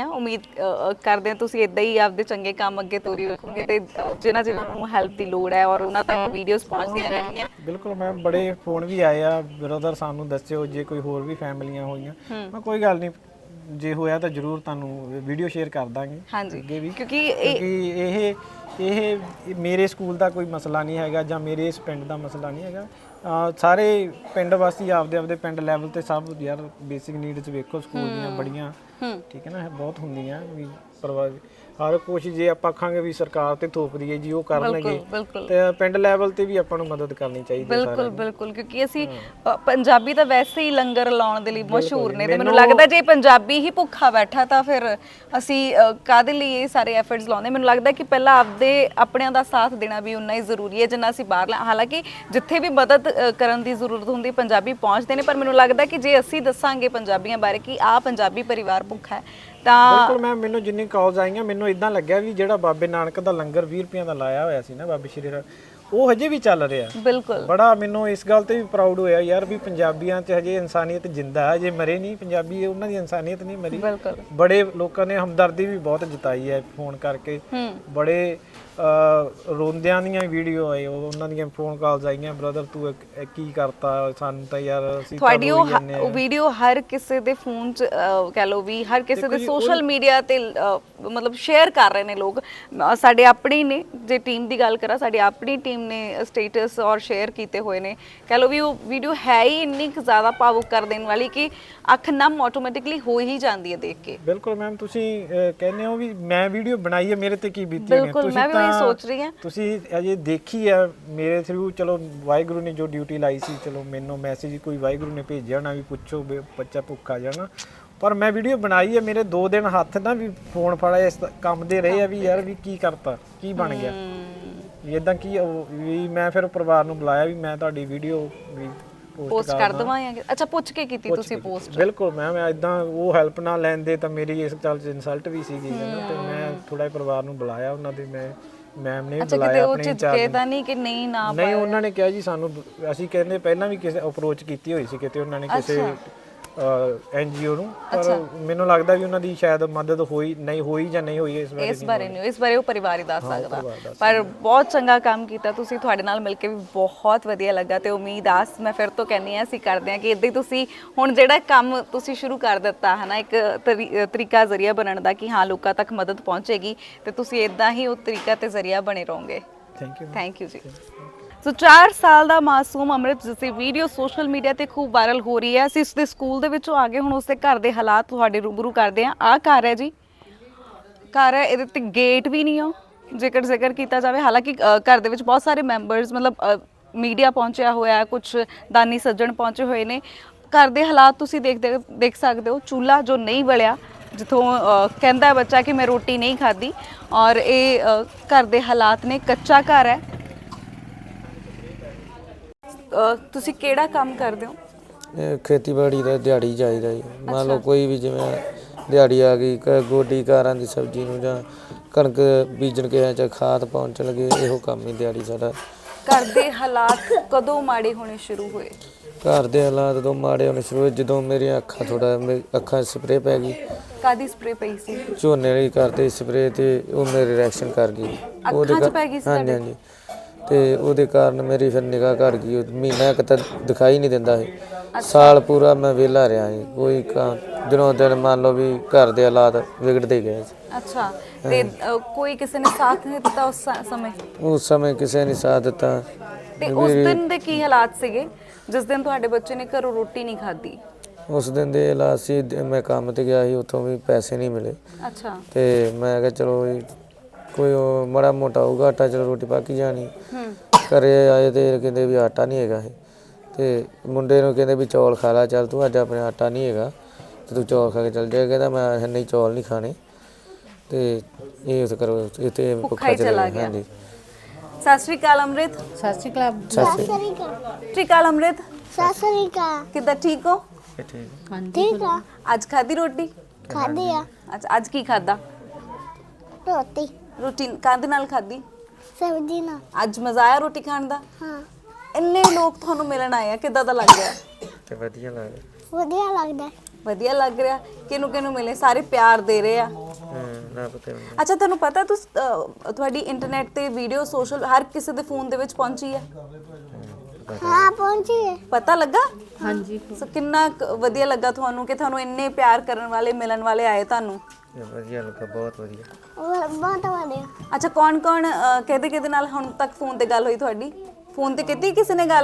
ਹਾਂ ਤੁਸੀਂ ਇਦਾਂ ਹੀ ਆਪਦੇ ਚੰਗੇ ਕੰਮ ਅੱਗੇ ਤੋਰੀ ਰੱਖੋਗੇ, ਤੇ ਜਿਹਨਾਂ ਨੂੰ ਹੈਲਪ ਦੀ ਲੋੜ ਹੈ ਔਰ ਉਹਨਾਂ ਤੱਕ ਵੀਡੀਓਜ਼ ਪਹੁੰਚਦੀਆਂ ਰਹਿਣਗੀਆਂ।
ਬਿਲਕੁਲ ਮੈਮ, ਬੜੇ ਫੋਨ ਵੀ ਆਏ ਆ, ਬ੍ਰਦਰ ਸਾਨੂੰ ਦੱਸਿਓ ਜੇ ਕੋਈ ਹੋਰ ਵੀ ਫੈਮਲੀਆਂ ਹੋਈਆਂ। ਮੈਂ ਕੋਈ ਗੱਲ ਨਹੀਂ, ਜੇ ਹੋਇਆ ਤਾਂ ਜ਼ਰੂਰ ਤੁਹਾਨੂੰ ਵੀਡੀਓ ਸ਼ੇਅਰ ਕਰ ਦਾਂਗੇ ਅੱਗੇ ਵੀ, ਕਿਉਂਕਿ ਇਹ ਮੇਰੇ ਸਕੂਲ ਦਾ ਕੋਈ ਮਸਲਾ ਨਹੀਂ ਹੈਗਾ, ਜਾਂ ਮੇਰੇ ਇਸ ਪਿੰਡ ਦਾ ਮਸਲਾ ਨਹੀਂ ਹੈਗਾ। ਸਾਰੇ ਪਿੰਡ ਵਾਸੀ ਆਪਦੇ ਆਪਦੇ ਪਿੰਡ ਲੈਵਲ ਤੇ ਸਭ ਯਾਰ ਬੇਸਿਕ ਨੀਡਸ ਵੇਖੋ ਸਕੂਲ ਦੀਆਂ ਬੜੀਆਂ ਠੀਕ ਹੈ ਨਾ ਬਹੁਤ ਹੁੰਦੀਆਂ ਵੀ ਪਰਵਾਹ ਹਰ ਕੋਸ਼ਿਸ਼ ਜੇ ਆਪਾਂ ਆਖਾਂਗੇ ਵੀ ਸਰਕਾਰ ਤੇ ਥੋਪਦੀ ਹੈ ਜੀ ਉਹ ਕਰਨਗੇ ਤੇ ਪਿੰਡ ਲੈਵਲ ਤੇ ਵੀ ਆਪਾਂ ਨੂੰ ਮਦਦ ਕਰਨੀ ਚਾਹੀਦੀ ਹੈ
ਬਿਲਕੁਲ ਬਿਲਕੁਲ ਕਿਉਂਕਿ ਅਸੀਂ ਪੰਜਾਬੀ ਤਾਂ ਵੈਸੇ ਹੀ ਲੰਗਰ ਲਾਉਣ ਦੇ ਲਈ ਮਸ਼ਹੂਰ ਨੇ ਤੇ ਮੈਨੂੰ ਲੱਗਦਾ ਜੇ ਪੰਜਾਬੀ ਹੀ ਭੁੱਖਾ ਬੈਠਾ ਤਾਂ ਫਿਰ ਅਸੀਂ ਕਾਹਦੇ ਲਈ ਇਹ ਸਾਰੇ ਐਫਰਟਸ ਲਾਉਂਦੇ ਮੈਨੂੰ ਲੱਗਦਾ ਕਿ ਪਹਿਲਾਂ ਆਪਣਿਆਂ ਦਾ ਸਾਥ ਦੇਣਾ ਵੀ ਉਨਾ ਹੀ ਜ਼ਰੂਰੀ ਹੈ ਜਿੰਨਾ ਅਸੀਂ ਬਾਹਰ ਹਾਲਾਂਕਿ ਜਿੱਥੇ ਵੀ ਮਦਦ ਕਰਨ ਦੀ ਜ਼ਰੂਰਤ ਹੁੰਦੀ ਪੰਜਾਬੀ ਪਹੁੰਚਦੇ ਨੇ ਪਰ ਮੈਨੂੰ ਲੱਗਦਾ ਕਿ ਜੇ ਅਸੀਂ ਦੱਸਾਂਗੇ ਪੰਜਾਬੀਆਂ ਬਾਰੇ ਕਿ ਆਹ ਪੰਜਾਬੀ ਪਰਿਵਾਰ ਭੁੱਖਾ ਹੈ ਤਾਂ
ਬਿਲਕੁਲ ਮੈਨੂੰ ਜਿੰਨੀ ਕਾਲਸ ਆਈਆਂ ਮੈਨੂੰ ਇਦਾਂ ਲੱਗਿਆ ਵੀ ਜਿਹੜਾ ਬਾਬੇ ਨਾਨਕ ਦਾ ਲੰਗਰ 20 ਰੁਪਈਆਂ ਦਾ ਲਾਇਆ ਹੋਇਆ ਸੀ ਨਾ ਬਾਬੇ ਸ਼੍ਰੀ ਰਾਮ ਉਹ ਹਜੇ ਵੀ ਚੱਲ ਰਿਹਾ
ਬਿਲਕੁਲ
ਬੜਾ ਮੈਨੂੰ ਇਸ ਗੱਲ ਤੇ ਵੀ ਪ੍ਰਾਊਡ ਹੋਇਆ ਯਾਰ ਵੀ ਪੰਜਾਬੀਆਂ 'ਚ ਹਜੇ ਇਨਸਾਨੀਅਤ ਜਿੰਦਾ ਹੈ ਜੇ ਮਰੇ ਨਹੀਂ ਪੰਜਾਬੀ ਉਹਨਾਂ ਦੀ ਇਨਸਾਨੀਅਤ ਨਹੀਂ ਮਰੀ
ਬਿਲਕੁਲ
ਬੜੇ ਲੋਕਾਂ ਨੇ ਹਮਦਰਦੀ ਵੀ ਬਹੁਤ ਜਤਾਈ ਹੈ ਫੋਨ ਕਰਕੇ ਬੜੇ ਰੋਂਦਿਆਂ ਦੀਆਂ ਵੀਡੀਓ ਆਏ ਉਹਨਾਂ ਦੀਆਂ ਫੋਨ ਕਾਲਸ ਆਈਆਂ ਬ੍ਰਦਰ ਤੂੰ ਕੀ ਕਰਤਾ ਸਾਨੂੰ ਤਾਂ ਯਾਰ ਅਸੀਂ
ਤੁਹਾਡੀ ਉਹ ਵੀਡੀਓ ਹਰ ਕਿਸੇ ਦੇ ਫੋਨ 'ਚ ਕਹਿ ਲਓ ਵੀ ਹਰ ਕਿਸੇ ਦੇ ਸੋਸ਼ਲ ਮੀਡੀਆ ਤੇ ਮਤਲਬ ਸ਼ੇਅਰ ਕਰ ਰਹੇ ਨੇ ਲੋਕ ਸਾਡੇ ਆਪਣੇ ਨੇ ਜੇ ਟੀਮ ਦੀ ਗੱਲ ਕਰਾਂ ਸਾਡੀ ਆਪਣੀ ਟੀਮ ਨੇ ਸਟੇਟਸ ਔਰ ਸ਼ੇਅਰ ਕੀਤੇ ਹੋਏ ਨੇ ਕਹਿ ਲਓ ਵੀ ਉਹ ਵੀਡੀਓ ਹੈ ਹੀ ਇੰਨੀ ਕੁ ਜ਼ਿਆਦਾ ਭਾਵੁਕ ਕਰ ਦੇਣ ਵਾਲੀ ਕਿ ਅੱਖ ਨਮ ਆਟੋਮੈਟਿਕਲੀ ਹੋ ਹੀ ਜਾਂਦੀ ਹੈ ਦੇਖ ਕੇ
ਬਿਲਕੁਲ ਮੈਮ ਤੁਸੀਂ ਕਹਿੰਦੇ ਹੋ ਵੀ ਮੈਂ ਵੀਡੀਓ ਬਣਾਈ ਹੈ ਮੇਰੇ ਤੇ ਕੀ ਬੀਤੀ ਹੋਣੀ
ਤੁਸੀਂ ਸੋਚ ਰਹੀ ਹਾਂ
ਤੁਸੀਂ ਅਜੇ ਦੇਖੀ ਆ ਮੇਰੇ ਥਰੂ ਚਲੋ ਵਾਹਿਗੁਰੂ ਨੇ ਜੋ ਡਿਊਟੀ ਲਾਈ ਸੀ ਚਲੋ ਮੈਨੂੰ ਮੈਸੇਜ ਕੋਈ ਵਾਹਿਗੁਰੂ ਨੇ ਭੇਜਿਆ ਨਾ ਵੀ ਪੁੱਛੋ ਬੱਚਾ ਭੁੱਖਾ ਜਾਣਾ ਪਰ ਮੈਂ ਵੀਡੀਓ ਬਣਾਈ ਹੈ ਮੇਰੇ 2 ਦਿਨ ਹੱਥ ਨਾ ਵੀ ਫੋਨ ਫੜਾਇਆ ਇਸ ਕੰਮ ਦੇ ਰਹੇ ਆ ਵੀ ਯਾਰ ਵੀ ਕੀ ਕਰਤਾ ਕੀ ਬਣ ਗਿਆ ਇਦਾਂ ਕੀ ਵੀ ਮੈਂ ਫਿਰ ਪਰਿਵਾਰ ਨੂੰ ਬੁਲਾਇਆ ਵੀ ਮੈਂ ਤੁਹਾਡੀ ਵੀਡੀਓ ਵੀ
ਪੋਸਟ ਕਰ ਦਵਾਂਗੇ ਅੱਛਾ ਪੁੱਛ ਕੇ ਕੀਤੀ ਤੁਸੀਂ ਪੋਸਟ
ਬਿਲਕੁਲ ਮੈਮ ਇਦਾਂ ਉਹ ਹੈਲਪ ਨਾ ਲੈਂਦੇ ਤਾਂ ਮੇਰੀ ਇਸ ਗੱਲ 'ਚ ਇਨਸਲਟ ਵੀ ਸੀਗੀ ਤੇ ਮੈਂ ਥੋੜਾ ਪਰਿਵਾਰ ਨੂੰ ਬੁਲਾਇਆ ਉਹਨਾਂ ਦੇ ਮੈਮ ਨੇ ਬੁਲਾਇਆ ਆਪਣੇ
ਝਿਜਕੇ ਤਾਂ ਨਹੀਂ ਕਿ ਨਹੀਂ ਨਾ
ਨਹੀਂ ਉਹਨਾਂ ਨੇ ਕਿਹਾ ਜੀ ਸਾਨੂੰ ਅਸੀਂ ਕਹਿੰਦੇ ਪਹਿਲਾਂ ਵੀ ਕਿਸੇ ਅਪਰੋਚ ਕੀਤੀ ਹੋਈ ਸੀ ਕਿਤੇ ਉਹਨਾਂ ਨੇ ਕਿਸੇ ਐਨਜੀਓ ਨੂੰ ਪਰ ਮੈਨੂੰ ਲੱਗਦਾ ਵੀ ਉਹਨਾਂ ਦੀ ਸ਼ਾਇਦ ਮਦਦ ਹੋਈ ਜਾਂ ਨਹੀਂ ਹੋਈ ਇਸ
ਬਾਰੇ ਉਹ ਪਰਿਵਾਰ ਹੀ ਦੱਸ ਸਕਦਾ ਪਰ ਬਹੁਤ ਚੰਗਾ ਕੰਮ ਕੀਤਾ ਤੁਸੀਂ ਤੁਹਾਡੇ ਨਾਲ ਮਿਲ ਕੇ ਵੀ ਬਹੁਤ ਵਧੀਆ ਲੱਗਾ ਤੇ ਉਮੀਦ ਆਸ ਮੈਂ ਫਿਰ ਤੋਂ ਕਹਿੰਨੀ ਆ ਅਸੀਂ ਕਰਦੇ ਆ ਕਿ ਇਦਾਂ ਹੀ ਤੁਸੀਂ ਹੁਣ ਜਿਹੜਾ ਕੰਮ ਤੁਸੀਂ ਸ਼ੁਰੂ ਕਰ ਦਿੱਤਾ ਹੈ ਨਾ ਇੱਕ ਤਰੀਕਾ ਜ਼ਰੀਆ ਬਣਨ ਦਾ ਕਿ ਹਾਂ ਲੋਕਾਂ ਤੱਕ ਮਦਦ ਪਹੁੰਚੇਗੀ ਤੇ ਤੁਸੀਂ ਇਦਾਂ ਹੀ ਉਹ ਤਰੀਕਾ ਤੇ ਜ਼ਰੀਆ ਬਣੇ ਰਹੋਗੇ ਥੈਂਕ ਯੂ ਜੀ ਸੋ 4 ਸਾਲ ਦਾ ਮਾਸੂਮ ਅੰਮ੍ਰਿਤ ਜਿਸ ਦੀ ਵੀਡੀਓ ਸੋਸ਼ਲ ਮੀਡੀਆ ਤੇ ਖੂਬ ਵਾਇਰਲ ਹੋ ਰਹੀ ਹੈ ਅਸੀਂ ਉਸ ਦੇ ਸਕੂਲ ਦੇ ਵਿੱਚੋਂ ਆ ਗਏ ਹੁਣ ਉਸ ਦੇ ਘਰ ਦੇ ਹਾਲਾਤ ਤੁਹਾਡੇ ਰੂਬਰੂ ਕਰਦੇ ਹਾਂ ਆਹ ਘਰ ਹੈ ਜੀ ਘਰ ਹੈ ਇਹਦੇ ਤੇ ਗੇਟ ਵੀ ਨਹੀਂ ਆ ਜੇਕਰ ਜ਼ਿਕਰ ਕੀਤਾ ਜਾਵੇ ਹਾਲਾਂਕਿ ਘਰ ਦੇ ਵਿੱਚ ਬਹੁਤ ਸਾਰੇ ਮੈਂਬਰਸ ਮਤਲਬ ਮੀਡੀਆ ਪਹੁੰਚਿਆ ਹੋਇਆ ਕੁਝ ਦਾਨੀ ਸੱਜਣ ਪਹੁੰਚੇ ਹੋਏ ਨੇ ਘਰ ਦੇ ਹਾਲਾਤ ਤੁਸੀਂ ਦੇਖ ਸਕਦੇ ਹੋ ਚੁੱਲ੍ਹਾ ਜੋ ਨਹੀਂ ਬਲਿਆ ਜਿੱਥੋਂ ਕਹਿੰਦਾ ਹੈ ਬੱਚਾ ਕਿ ਮੈਂ ਰੋਟੀ ਨਹੀਂ ਖਾਧੀ ਔਰ ਇਹ ਘਰ ਦੇ ਹਾਲਾਤ ਨੇ ਕੱਚਾ ਘਰ ਹੈ ਤੁਸੀਂ ਕਿਹੜਾ ਕੰਮ ਕਰਦੇ ਹੋ
ਖੇਤੀਬਾੜੀ ਦਾ ਦਿਹਾੜੀ ਚਾਹੀਦਾ ਜੀ ਮੰਨ ਲਓ ਕੋਈ ਵੀ ਜਿਵੇਂ ਦਿਹਾੜੀ ਆ ਗਈ ਗੋਡੀ ਕਾਰਾਂ ਦੀ ਸਬਜ਼ੀ ਨੂੰ ਜਾਂ ਕਣਕ ਬੀਜਣ ਕੇ ਜਾਂ ਖਾਦ ਪਹੁੰਚਣ ਲੱਗੇ ਇਹੋ ਕੰਮ ਹੀ ਦਿਹਾੜੀ ਸਾਡਾ
ਘਰ ਦੇ ਹਾਲਾਤ ਕਦੋਂ ਮਾੜੇ ਹੋਣੇ ਸ਼ੁਰੂ ਹੋਏ
ਘਰ ਦੇ ਹਾਲਾਤ ਤੋਂ ਮਾੜੇ ਹੋਣੇ ਸ਼ੁਰੂ ਹੋਏ ਜਦੋਂ ਮੇਰੀਆਂ ਅੱਖਾਂ ਸਪਰੇਅ ਪੈ ਗਈ
ਕਾਦੀ ਸਪਰੇਅ ਪਈ ਸੀ
ਝੋਨੇ ਵਾਲੀ ਕਰਦੇ ਸਪਰੇਅ ਤੇ ਉਹ ਮੇਰੇ ਰਿਐਕਸ਼ਨ ਕਰ ਗਈ
ਅੱਖਾਂ 'ਚ ਪੈ ਗਈ ਸੀ
ਹਾਂਜੀ ਤੇ ਉਹਦੇ ਕਾਰਨ ਮੇਰੀ ਫਿਰ ਨਿਗਾਹ ਘਟ ਗਈ ਮਹੀਨਾ ਇੱਕ ਤਾਂ ਦਿਖਾਈ ਨਹੀਂ ਦਿੰਦਾ ਸੀ ਸਾਲ ਪੂਰਾ ਮੈਂ ਵਿਹਲਾ ਰਿਹਾ ਸੀ ਕੋਈ ਦਿਨੋਂ ਦਿਨ ਮੰਨ ਲਓ ਵੀ ਘਰ ਦੇ ਹਾਲਾਤ ਵਿਗੜਦੇ ਗਏ ਸੀ
ਅੱਛਾ ਤੇ ਕੋਈ ਕਿਸੇ ਨੇ ਸਾਥ ਨਹੀਂ ਦਿੱਤਾ ਉਸ ਸਮੇਂ
ਕਿਸੇ ਨੇ ਸਾਥ ਦਿੱਤਾ
ਤੇ ਉਸ ਦਿਨ ਦੇ ਕੀ ਹਾਲਾਤ ਸੀਗੇ ਜਿਸ ਦਿਨ ਤੁਹਾਡੇ ਬੱਚੇ ਨੇ ਘਰੋਂ ਰੋਟੀ ਨਹੀਂ ਖਾਧੀ
ਉਸ ਦਿਨ ਦੇ ਹਾਲਾਤ ਸੀ ਮੈਂ ਕੰਮ ਤੇ ਗਿਆ ਸੀ ਉੱਥੋਂ ਵੀ ਪੈਸੇ ਨਹੀਂ ਮਿਲੇ
ਅੱਛਾ
ਤੇ ਮੈਂ ਕਿਹਾ ਚਲੋ ਕੋਈ ਮਾੜਾ ਮੋਟਾ ਹੋਊਗਾ ਆਟਾ ਚਲੋ ਰੋਟੀ ਪੱਕ ਜਾਣੀ ਘਰੇ ਆਏ ਤੇ ਕਹਿੰਦੇ ਵੀ ਆਟਾ ਨਹੀਂ ਹੈਗਾ ਤੇ ਮੁੰਡੇ ਨੂੰ ਕਹਿੰਦੇ ਵੀ ਚੌਲ ਖਾ ਲਾ ਚੱਲ ਤੂੰ ਅੱਜ ਆਪਣੇ ਆਟਾ ਨਹੀਂ ਹੈਗਾ ਤੇ ਤੂੰ ਚੌਲ ਖਾ ਕੇ ਚੱਲ ਜਾ ਕਹਿੰਦਾ ਮੈਂ ਨਹੀਂ ਚੌਲ ਨਹੀਂ ਖਾਣੇ ਤੇ ਇਹ ਉਸ ਕਰੋ ਇੱਥੇ ਭੁੱਖਾ ਚਲਾ ਗਿਆ ਹਾਂਜੀ
ਸਤਿ ਸ਼੍ਰੀ ਅਕਾਲ ਅੰਮ੍ਰਿਤ
ਸਤਿ ਸ਼੍ਰੀ ਅਕਾਲ
ਸਤਿ
ਸ਼੍ਰੀ ਅਕਾਲ ਅੰਮ੍ਰਿਤ
ਸਤਿ ਸ੍ਰੀ ਅਕਾਲ
ਕਿੱਦਾਂ ਠੀਕ ਹੋ
ਠੀਕ ਆ
ਅੱਜ ਖਾਧੀ ਰੋਟੀ
ਖਾਦੇ ਆ
ਅੱਛਾ ਅੱਜ ਕੀ ਖਾਦਾ ਰੋਟੀ ਕਾਹਦੇ ਨਾਲ ਖਾਧੀ
ਸਬਜ਼ੀ ਨਾਲ
ਅੱਜ ਮਜ਼ਾ ਆਇਆ ਰੋਟੀ ਖਾਣ ਦਾ
ਹਾਂ
ਇੰਨੇ ਲੋਕ ਤੁਹਾਨੂੰ ਮਿਲਣ ਆਏ ਆ ਕਿੱਦਾਂ ਦਾ ਲੱਗ ਰਿਹਾ
ਤੇ ਵਧੀਆ
ਲੱਗ ਰਿਹਾ ਕਿਹਨੂੰ ਮਿਲੇ ਸਾਰੇ ਪਿਆਰ ਦੇ ਰਹੇ ਆ ਅੱਛਾ ਤੁਹਾਨੂੰ ਪਤਾ ਤੁਹਾਡੀ ਇੰਟਰਨੈਟ ਤੇ ਵੀਡੀਓ ਸੋਸ਼ਲ ਹਰ ਕਿਸੇ ਦੇ ਫੋਨ ਦੇ ਵਿੱਚ ਪਹੁੰਚੀ ਹੈ
ਹਾਂ ਪਹੁੰਚੀ ਹੈ
ਪਤਾ ਲੱਗਾ
ਹਾਂਜੀ
ਸੋ ਕਿੰਨਾ ਵਧੀਆ ਲੱਗਾ ਤੁਹਾਨੂੰ ਕਿ ਤੁਹਾਨੂੰ ਇੰਨੇ ਪਿਆਰ ਕਰਨ ਵਾਲੇ ਮਿਲਣ ਵਾਲੇ ਆਏ ਤੁਹਾਨੂੰ
ਵਧੀਆ ਲੱਗਾ ਬਹੁਤ ਵਧੀਆ
ਬਹੁਤ ਵਧੀਆ
ਅੱਛਾ ਕੌਣ ਕਿਹਦੇ ਨਾਲ ਹੁਣ ਤੱਕ ਫੋਨ ਤੇ ਗੱਲ ਹੋਈ ਤੁਹਾਡੀ ਫੋਨ ਤੇ ਕੀਤੀ ਕਿਸੇ ਨੇ ਗੱਲ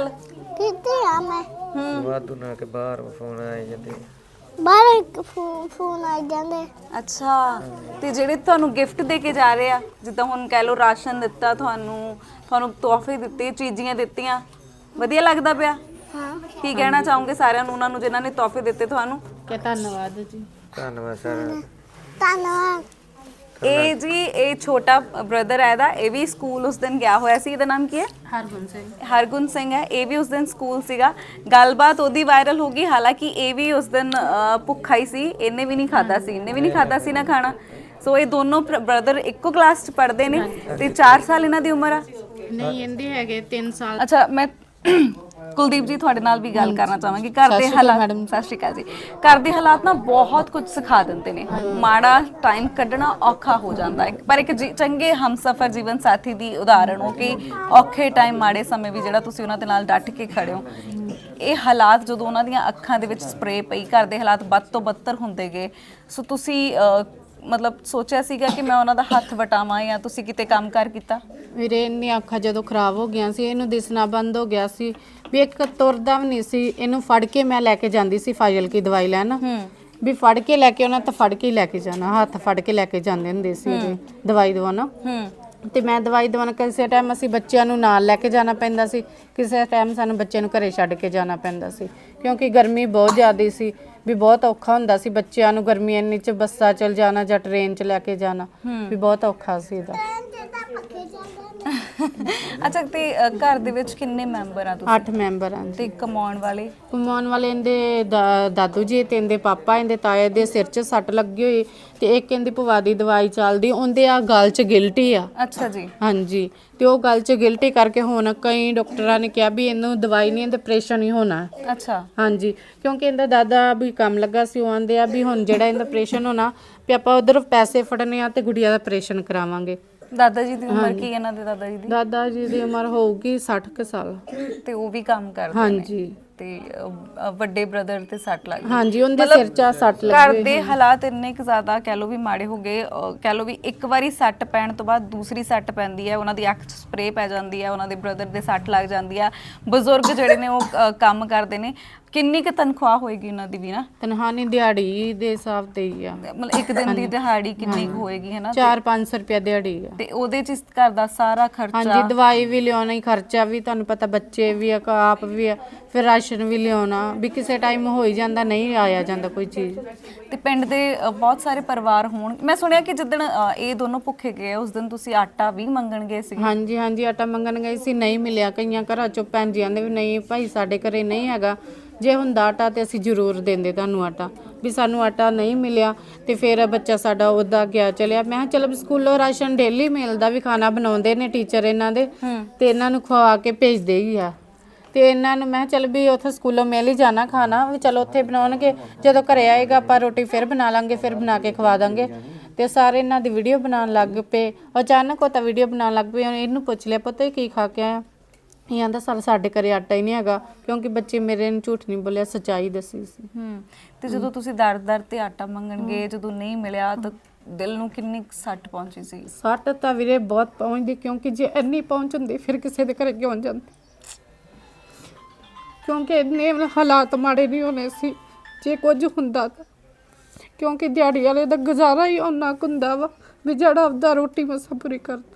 ਕਿੱਥੇ ਆ ਮੈਂ
ਵਾਧੂ ਨਾ ਕਿ ਬਾਹਰ ਫੋਨ ਆਏ ਜਾਂਦੇ
ਬਾਹਰ ਇੱਕ ਫੋਨ ਆ ਜਾਂਦੇ
ਅੱਛਾ ਤੇ ਜਿਹੜੇ ਤੁਹਾਨੂੰ ਗਿਫਟ ਦੇ ਕੇ ਜਾ ਰਹੇ ਆ ਜਿੱਦਾਂ ਹੁਣ ਕਹਿ ਲਓ ਰਾਸ਼ਨ ਦਿੱਤਾ ਤੁਹਾਨੂੰ ਤੋਹਫੇ ਦਿੱਤੇ ਚੀਜ਼ੀਆਂ ਦਿੱਤੀਆਂ ਵਧੀਆ ਲੱਗਦਾ ਪਿਆ
ਹਾਂ
ਕੀ ਕਹਿਣਾ ਚਾਹੋਗੇ ਸਾਰਿਆਂ ਨੂੰ ਉਹਨਾਂ ਨੂੰ ਜਿਨ੍ਹਾਂ ਨੇ ਤੋਹਫੇ ਦਿੱਤੇ ਤੁਹਾਨੂੰ
ਕਿ ਧੰਨਵਾਦ ਜੀ।
ਧੰਨਵਾਦ ਸਰ।
ਧੰਨਵਾਦ
ਇਹ ਜੀ ਇਹ ਛੋਟਾ ਬ੍ਰਦਰ ਹੈ ਇਹਦਾ ਇਹ ਵੀ ਸਕੂਲ ਉਸ ਦਿਨ ਗਿਆ ਹੋਇਆ ਸੀ ਇਹਦਾ ਨਾਮ ਕੀ ਹੈ
ਹਰਗੁਣ ਸਿੰਘ।
ਹਰਗੁਣ ਸਿੰਘ ਹੈ ਇਹ ਵੀ ਉਸ ਦਿਨ ਸਕੂਲ ਸੀਗਾ ਗੱਲਬਾਤ ਉਹਦੀ ਵਾਇਰਲ ਹੋ ਗਈ ਹਾਲਾਂਕਿ ਇਹ ਵੀ ਉਸ ਦਿਨ ਭੁੱਖਾ ਹੀ ਸੀ ਇਹਨੇ ਵੀ ਨਹੀਂ ਖਾਦਾ ਸੀ ਨਾ ਖਾਣਾ ਸੋ ਇਹ ਦੋਨੋਂ ਬ੍ਰਦਰ ਇੱਕੋ ਕਲਾਸ ਚ ਪੜ੍ਹਦੇ ਨੇ ਤੇ 4 ਸਾਲ ਇਹਨਾਂ ਦੀ ਉਮਰ ਆ
ਨਹੀਂ ਇਹਦੇ ਹੈਗੇ 3 ਸਾਲ।
ਅੱਛਾ ਮੈਂ ਕੁਲਦੀਪ ਜੀ ਤੁਹਾਡੇ ਨਾਲ ਵੀ ਗੱਲ ਕਰਨਾ ਚਾਹਾਂਗੀ ਘਰ ਦੇ ਹਾਲਾਤ ਸਤਿ ਸ਼੍ਰੀ ਅਕਾਲ ਜੀ ਘਰ ਦੇ ਹਾਲਾਤ ਨਾ ਬਹੁਤ ਕੁਝ ਸਿਖਾ ਦਿੰਦੇ ਨੇ ਮਾੜਾ ਟਾਈਮ ਕੱਢਣਾ ਔਖਾ ਹੋ ਜਾਂਦਾ ਹੈ ਪਰ ਇੱਕ ਚੰਗੇ ਹਮਸਫਰ ਜੀਵਨ ਸਾਥੀ ਦੀ ਉਦਾਹਰਣ ਹੋ ਕਿ ਔਖੇ ਟਾਈਮ ਮਾੜੇ ਸਮੇਂ ਵੀ ਜਿਹੜਾ ਤੁਸੀਂ ਉਹਨਾਂ ਦੇ ਨਾਲ ਡਟ ਕੇ ਖੜੇ ਹੋ ਇਹ ਹਾਲਾਤ ਜਦੋਂ ਉਹਨਾਂ ਦੀਆਂ ਅੱਖਾਂ ਦੇ ਵਿੱਚ ਸਪਰੇ ਪਈ ਘਰ ਦੇ ਹਾਲਾਤ ਵੱਧ ਤੋਂ ਬੱਤਰ ਹੁੰਦੇ ਗਏ ਸੋ ਤੁਸੀਂ ਮਤਲਬ ਸੋਚਿਆ ਸੀਗਾ ਕਿ ਮੈਂ ਉਹਨਾਂ ਦਾ ਹੱਥ ਵਟਾਵਾਂ ਜਾਂ ਤੁਸੀਂ ਕਿਤੇ ਕੰਮ ਕਰ ਕੀਤਾ
ਵੀਰੇ ਇੰਨੀਆਂ ਅੱਖਾਂ ਜਦੋਂ ਖਰਾਬ ਹੋ ਗਈਆਂ ਸੀ ਇਹਨੂੰ ਦਿਸਣਾ ਬੰਦ ਹੋ ਗਿਆ ਸੀ ਵੀ ਇੱਕ ਤੁਰਦਾ ਵੀ ਨਹੀਂ ਸੀ ਇਹਨੂੰ ਫੜ ਕੇ ਮੈਂ ਲੈ ਕੇ ਜਾਂਦੀ ਸੀ ਫਾਜ਼ਿਲਕੀ ਦਵਾਈ ਲੈਣ ਵੀ ਫੜ ਕੇ ਲੈ ਕੇ ਉਹਨਾਂ ਤਾਂ ਫੜ ਕੇ ਲੈ ਕੇ ਜਾਣਾ ਹੱਥ ਫੜ ਕੇ ਲੈ ਕੇ ਜਾਂਦੇ ਹੁੰਦੇ ਸੀ ਉਹਦੇ ਦਵਾਈ ਦਵਾਉਣਾ ਤੇ ਮੈਂ ਦਵਾਈ ਦਵਾਉਣ ਕਿਸੇ ਟਾਈਮ ਅਸੀਂ ਬੱਚਿਆਂ ਨੂੰ ਨਾਲ ਲੈ ਕੇ ਜਾਣਾ ਪੈਂਦਾ ਸੀ ਕਿਸੇ ਟਾਈਮ ਸਾਨੂੰ ਬੱਚਿਆਂ ਨੂੰ ਘਰੇ ਛੱਡ ਕੇ ਜਾਣਾ ਪੈਂਦਾ ਸੀ ਕਿਉਂਕਿ ਗਰਮੀ ਬਹੁਤ ਜ਼ਿਆਦਾ ਸੀ ਵੀ ਬਹੁਤ ਔਖਾ ਹੁੰਦਾ ਸੀ ਬੱਚਿਆਂ ਨੂੰ ਗਰਮੀ ਇੰਨੀ ਚ ਬੱਸਾਂ ਚਲ ਜਾਣਾ ਜਾਂ ਟ੍ਰੇਨ ਚ ਲੈ ਕੇ ਜਾਣਾ ਵੀ ਬਹੁਤ ਔਖਾ ਸੀ ਇਹਦਾ
ਅੱਛਾ ਤੇ ਘਰ ਦੇ ਵਿੱਚ ਕਿੰਨੇ ਮੈਂਬਰ ਆ ਤੁਸੀਂ
8 ਮੈਂਬਰ ਆਂ
ਤੇ ਕਮਾਉਣ ਵਾਲੇ
ਇਹਦੇ ਦਾਦੂ ਜੀ ਤੇ ਇਹਦੇ ਪਾਪਾ ਇਹਦੇ ਤਾਏ ਦੇ ਸਿਰ 'ਚ ਸੱਟ ਲੱਗੀ ਹੋਈ ਤੇ ਇੱਕ ਇਹਦੀ ਭੂਆ ਦੀ ਦਵਾਈ ਚੱਲਦੀ ਉਹਦੇ ਆ ਗਲ 'ਚ ਗਿਲਟੀ ਆ
ਅੱਛਾ ਜੀ
ਹਾਂਜੀ ਤੇ ਉਹ ਗਲ 'ਚ ਗਿਲਟੀ ਕਰਕੇ ਹੁਣ ਕਈ ਡਾਕਟਰਾਂ ਨੇ ਕਿਹਾ ਵੀ ਇਹਨੂੰ ਦਵਾਈ ਨਹੀਂ ਆਪਰੇਸ਼ਨ ਹੀ ਹੋਣਾ
ਅੱਛਾ
ਹਾਂਜੀ ਕਿਉਂਕਿ ਇਹਦਾ ਦਾਦਾ ਵੀ ਕੰਮ ਲੱਗਾ ਸੀ ਉਹ ਆਂਦੇ ਆ ਵੀ ਹੁਣ ਜਿਹੜਾ ਇਹਦਾ ਆਪਰੇਸ਼ਨ ਹੋਣਾ ਵੀ ਆਪਾਂ ਉਧਰ ਪੈਸੇ ਫੜਨੇ ਆ ਤੇ ਗੁੜੀਆ ਦਾ ਆਪਰੇਸ਼ਨ ਕਰਾਵਾਂਗੇ
ਦਾਦਾ ਜੀ ਦੀ ਉਮਰ ਕੀ ਇਹਨਾਂ ਦੇ ਦਾਦਾ ਜੀ ਦੀ
ਦਾਦਾ ਜੀ ਦੀ ਉਮਰ ਹੋਊਗੀ 60 ਕੁ ਸਾਲ
ਤੇ ਉਹ ਵੀ ਕੰਮ ਕਰਦੇ ਨੇ
ਹਾਂਜੀ
ਤੇ ਵੱਡੇ ਬ੍ਰਦਰ ਤੇ ਸੱਟ ਲੱਗ ਗਈ
ਹਾਂਜੀ ਉਹਦੇ ਸਿਰ 'ਚ ਸੱਟ ਲੱਗੀ
ਘਰ ਦੇ ਹਾਲਾਤ ਇੰਨੇ ਕੁ ਜ਼ਿਆਦਾ ਕਹਿ ਲੋ ਵੀ ਮਾੜੇ ਹੋ ਗਏ ਕਹਿ ਲੋ ਵੀ ਇੱਕ ਵਾਰੀ ਸੱਟ ਪੈਣ ਤੋਂ ਬਾਅਦ ਦੂਸਰੀ ਸੱਟ ਪੈਂਦੀ ਹੈ ਉਹਨਾਂ ਦੀ ਅੱਖ 'ਚ ਸਪਰੇ ਪੈ ਜਾਂਦੀ ਹੈ ਉਹਨਾਂ ਦੇ ਬ੍ਰਦਰ ਦੇ ਸੱਟ ਲੱਗ ਜਾਂਦੀ ਆ ਬਜ਼ੁਰਗ ਜਿਹੜੇ ਨੇ ਉਹ ਕੰਮ ਕਰਦੇ ਨੇ ਕਿੰਨੀ ਕੁ ਤਨਖਾਹ ਹੋਏਗੀ ਉਹਨਾਂ ਦੀ ਵੀ ਨਾ
ਤਨਖਾਹ ਨਹੀਂ ਦਿਹਾੜੀ ਦੇ ਹਿਸਾਬ ਤੇ ਹੀ ਆ
ਮਤਲਬ ਇੱਕ ਦਿਨ ਦੀ ਦਿਹਾੜੀ ਕਿੰਨੀ ਕੁ ਹੋਏਗੀ ਹੈ ਨਾ
4-500 ਰੁਪਏ ਦਿਹਾੜੀ ਆ
ਤੇ ਉਹਦੇ 'ਚ ਘਰ ਦਾ ਸਾਰਾ ਖਰਚਾ
ਹਾਂਜੀ ਦਵਾਈ ਵੀ ਲਿਆਉਣਾ ਹੀ ਖਰਚਾ ਵੀ ਤੁਹਾਨੂੰ ਪਤਾ ਬੱਚੇ ਵੀ ਆ ਆਪ ਵੀ ਆ ਫਿਰ ਰਾਸ਼ਨ ਵੀ ਲਿਆਉਣਾ ਵੀ ਕਿਸੇ ਟਾਈਮ ਹੋ ਹੀ ਜਾਂਦਾ ਨਹੀਂ ਆਇਆ ਜਾਂਦਾ ਕੋਈ ਚੀਜ਼
ਤੇ ਪਿੰਡ ਦੇ ਬਹੁਤ ਸਾਰੇ ਪਰਿਵਾਰ ਹੋਣ ਮੈਂ ਸੁਣਿਆ ਕਿ ਜਿੱਦਣ ਇਹ ਦੋਨੋਂ ਭੁੱਖੇ ਗਏ ਉਸ ਦਿਨ ਤੁਸੀਂ ਆਟਾ ਵੀ ਮੰਗਣ ਗਏ ਸੀ
ਹਾਂਜੀ ਹਾਂਜੀ ਆਟਾ ਮੰਗਣ ਗਏ ਸੀ ਨਹੀਂ ਮਿਲਿਆ ਕਈਆਂ ਘਰਾਂ ਚੋਂ ਭੈਣ ਜੀ ਆਂਦੇ ਵੀ ਨਹੀਂ ਭਾਈ ਸਾਡੇ ਘਰੇ ਨਹੀਂ ਹੈਗਾ ਜੇ ਹੁੰਦਾ ਆਟਾ ਤੇ ਅਸੀਂ ਜ਼ਰੂਰ ਦਿੰਦੇ ਤੁਹਾਨੂੰ ਆਟਾ ਵੀ ਸਾਨੂੰ ਆਟਾ ਨਹੀਂ ਮਿਲਿਆ ਤੇ ਫਿਰ ਬੱਚਾ ਸਾਡਾ ਉਹਦਾ ਗਿਆ ਚਲਿਆ ਮੈਂ ਕਿਹਾ ਚਲੋ ਸਕੂਲੋਂ ਰਾਸ਼ਨ ਡੇਲੀ ਮਿਲਦਾ ਵੀ ਖਾਣਾ ਬਣਾਉਂਦੇ ਨੇ ਟੀਚਰ ਇਹਨਾਂ ਦੇ ਤੇ ਇਹਨਾਂ ਨੂੰ ਖਵਾ ਕੇ ਭੇਜਦੇ ਹੀ ਆ ਤੇ ਇਹਨਾਂ ਨੂੰ ਮੈਂ ਚਲ ਵੀ ਉੱਥੇ ਸਕੂਲੋਂ ਮਿਲ ਹੀ ਜਾਣਾ ਖਾਣਾ ਵੀ ਚਲੋ ਉੱਥੇ ਬਣਾਉਣਗੇ ਜਦੋਂ ਘਰੇ ਆਏਗਾ ਆਪਾਂ ਰੋਟੀ ਫਿਰ ਬਣਾ ਲਾਂਗੇ ਫਿਰ ਬਣਾ ਕੇ ਖਵਾ ਦਾਂਗੇ ਤੇ ਸਾਰੇ ਇਹਨਾਂ ਦੀ ਵੀਡੀਓ ਬਣਾਉਣ ਲੱਗ ਪਏ ਅਚਾਨਕ ਉਹ ਤਾਂ ਵੀਡੀਓ ਬਣਾਉਣ ਲੱਗ ਪਏ ਇਹਨੂੰ ਪੁੱਛ ਲਿਆ ਪੁੱਤ ਕੀ ਖਾ ਕੇ ਆਇਆ ਇਹ ਆਂਦਾ ਸਾਡੇ ਘਰੇ ਆਟਾ ਹੀ ਨਹੀਂ ਹੈਗਾ ਕਿਉਂਕਿ ਬੱਚੇ ਮੇਰੇ ਨੂੰ ਝੂਠ ਨਹੀਂ ਬੋਲਿਆ ਸੱਚਾਈ ਦੱਸੀ ਸੀ
ਤੇ ਜਦੋਂ ਤੁਸੀਂ ਦਰ ਤੇ ਆਟਾ ਮੰਗਣ ਗਏ ਜਦੋਂ ਨਹੀਂ ਮਿਲਿਆ ਤਾਂ ਦਿਲ ਨੂੰ ਕਿੰਨੀ ਸੱਟ ਪਹੁੰਚੀ ਸੀ
ਸੱਟ ਤਾਂ ਵੀਰੇ ਬਹੁਤ ਪਹੁੰਚਦੀ ਕਿਉਂਕਿ ਜੇ ਇੰਨੀ ਪਹੁੰਚ ਹੁੰਦੀ ਫਿਰ ਕਿਸੇ ਦੇ ਘਰੇ ਕਿਉਂ ਜਾਂਦੀ ਕਿਉਂਕਿ ਇੰਨੇ ਹਾਲਾਤ ਮਾੜੇ ਨਹੀਂ ਹੋਣੇ ਸੀ ਜੇ ਕੁਝ ਹੁੰਦਾ ਤਾਂ ਕਿਉਂਕਿ ਦਿਹਾੜੀ ਵਾਲੇ ਦਾ ਗੁਜ਼ਾਰਾ ਹੀ ਉਹਨਾਂ ਕੁ ਹੁੰਦਾ ਵਾ ਵੀ ਜਿਹੜਾ ਆਪਦਾ ਰੋਟੀ ਮਸਾਂ ਪੂਰੀ ਕਰਦਾ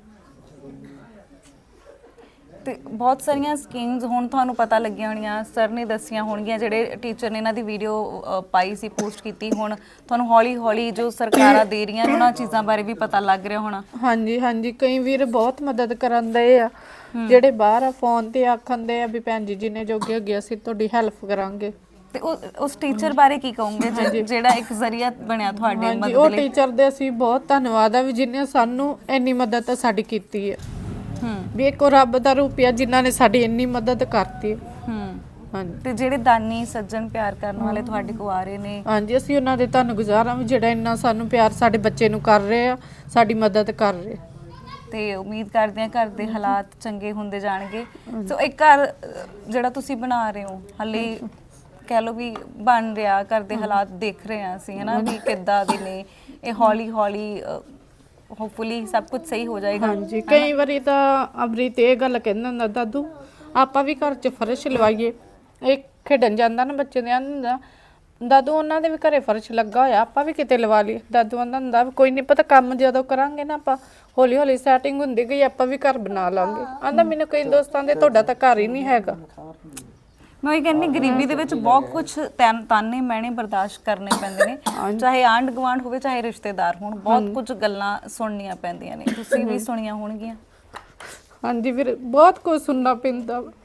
ਤੇ ਬਹੁਤ ਸਾਰੀਆਂ ਸਕੀਮਸ ਹੁਣ ਤੁਹਾਨੂੰ ਪਤਾ ਲੱਗੀਆਂ ਹੋਣੀਆਂ ਸਰ ਨੇ ਦੱਸੀਆਂ ਹੋਣਗੀਆਂ ਜਿਹੜੇ ਟੀਚਰ ਨੇ ਇਹਨਾਂ ਦੀ ਵੀਡੀਓ ਪਾਈ ਸੀ ਪੋਸਟ ਕੀਤੀ ਹੁਣ ਤੁਹਾਨੂੰ ਹੌਲੀ ਹੌਲੀ ਜੋ ਸਰਕਾਰਾਂ ਦੇ ਰਹੀਆਂ ਉਹਨਾਂ ਚੀਜ਼ਾਂ ਬਾਰੇ ਵੀ ਪਤਾ ਲੱਗ ਰਿਹਾ ਹੋਣਾ
ਹਾਂਜੀ ਹਾਂਜੀ ਕਈ ਵੀਰ ਬਹੁਤ ਮਦਦ ਕਰਨ ਦੇ ਆ ਜਿਹੜੇ ਬਾਹਰ ਆ ਫੋਨ ਤੇ ਆਖੰਦੇ ਆ ਵੀ ਭੈਣ ਜੀ ਜਿੰਨੇ ਜੋਗੇ ਅੱਗੇ ਅਸੀਂ ਤੁਹਾਡੀ ਹੈਲਪ ਕਰਾਂਗੇ
ਤੇ ਉਸ ਟੀਚਰ ਬਾਰੇ ਕੀ ਕਹੋਗੇ ਜਿਹੜਾ ਇੱਕ ਜ਼ਰੀਆ ਬਣਿਆ ਤੁਹਾਡੇ
ਹਾਂਜੀ
ਮਦਦ
ਉਹ
ਲਈ
ਟੀਚਰ ਦੇ ਅਸੀਂ ਬਹੁਤ ਧੰਨਵਾਦ ਆ ਵੀ ਜਿਨੇ ਸਾਨੂੰ ਇੰਨੀ ਮਦਦ ਸਾਡੀ ਕੀਤੀ ਹੈ ਵੀ ਇੱਕ ਰੱਬ ਦਾ ਰੂਪ ਆ ਜਿਨ੍ਹਾਂ ਨੇ ਸਾਡੀ ਇੰਨੀ ਮਦਦ ਕਰਤੀ ਹਾਂਜੀ
ਤੇ ਜਿਹੜੇ ਦਾਨੀ ਸੱਜਣ ਪਿਆਰ ਕਰਨ ਵਾਲੇ ਤੁਹਾਡੇ ਕੋ ਆ ਰਹੇ ਨੇ
ਹਾਂਜੀ ਅਸੀਂ ਉਹਨਾਂ ਦੇ ਧੰਨਵਾਦ ਹਾਂ ਜਿਹੜਾ ਇੰਨਾ ਸਾਨੂੰ ਪਿਆਰ ਸਾਡੇ ਬੱਚੇ ਨੂੰ ਕਰ ਰਹੇ ਆ ਸਾਡੀ ਮਦਦ ਕਰ ਰਹੇ
ਤੇ ਉਮੀਦ ਕਰਦੇ ਹਾਂ ਘਰ ਦੇ ਹਾਲਾਤ ਚੰਗੇ ਹੁੰਦੇ ਜਾਣਗੇ ਸੋ ਇੱਕ ਘਰ ਜਿਹੜਾ ਤੁਸੀਂ ਬਣਾ ਰਹੇ ਹੋ ਹਾਲੇ ਕਹਿ ਲਓ ਵੀ ਬਣ ਰਿਹਾ ਘਰ ਦੇ ਹਾਲਾਤ ਦੇਖ ਰਹੇ ਹਾਂ ਅਸੀਂ ਹਨਾ ਵੀ ਕਿੱਦਾਂ ਦੇ ਨੇ ਇਹ ਹੌਲੀ ਹੌਲੀ ਹੋਪਫੁਲੀ ਸਭ ਕੁਝ ਸਹੀ ਹੋ ਜਾਏਗਾ
ਹਾਂਜੀ ਕਈ ਵਾਰੀ ਤਾਂ ਅਮਰੀਤ ਇਹ ਗੱਲ ਕਹਿੰਦਾ ਹੁੰਦਾ ਦਾਦੂ ਆਪਾਂ ਵੀ ਘਰ 'ਚ ਫਰਸ਼ ਲਵਾਈਏ। ਇਹ ਖੇਡਣ ਜਾਂਦਾ ਨਾ ਬੱਚੇ ਦੇ ਆਂਦਾ ਦਾਦੂ ਉਹਨਾਂ ਦੇ ਵੀ ਘਰੇ ਫਰਸ਼ ਲੱਗਾ ਹੋਇਆ, ਆਪਾਂ ਵੀ ਕਿਤੇ ਲਵਾ ਲਈ। ਦਾਦੂ ਆਂਦਾ ਹੁੰਦਾ ਵੀ ਕੋਈ ਨਹੀਂ ਪਤਾ, ਕੰਮ ਜਦੋਂ ਕਰਾਂਗੇ ਨਾ ਆਪਾਂ ਹੌਲੀ ਹੌਲੀ ਸੈਟਿੰਗ ਹੁੰਦੀ ਗਈ ਆਪਾਂ ਵੀ ਘਰ ਬਣਾ ਲਾਂਗੇ। ਆਂਦਾ ਮੈਨੂੰ ਕਈ ਦੋਸਤਾਂ ਦੇ ਤੁਹਾਡਾ ਤਾਂ ਘਰ ਹੀ ਨਹੀਂ ਹੈਗਾ।
ਮੈਂ ਇਹ ਕਹਿੰਦੀ ਗਰੀਬੀ ਦੇ ਵਿੱਚ ਬਹੁਤ ਕੁਝ ਤਾਨੇ ਮੈਣੇ ਬਰਦਾਸ਼ਤ ਕਰਨੇ ਪੈਂਦੇ ਨੇ, ਚਾਹੇ ਆਂਢ ਗੁਆਂਢ ਹੋਵੇ ਚਾਹੇ ਰਿਸ਼ਤੇਦਾਰ ਹੋਣ, ਬਹੁਤ ਕੁਝ ਗੱਲਾਂ ਸੁਣਨੀਆਂ ਪੈਂਦੀਆਂ ਨੇ। ਤੁਸੀਂ ਵੀ ਸੁਣੀਆਂ ਹੋਣਗੀਆਂ।
ਹਾਂਜੀ ਵੀਰ, ਬਹੁਤ ਕੁਝ ਸੁਣਨਾ ਪੈਂਦਾ ਵਾ।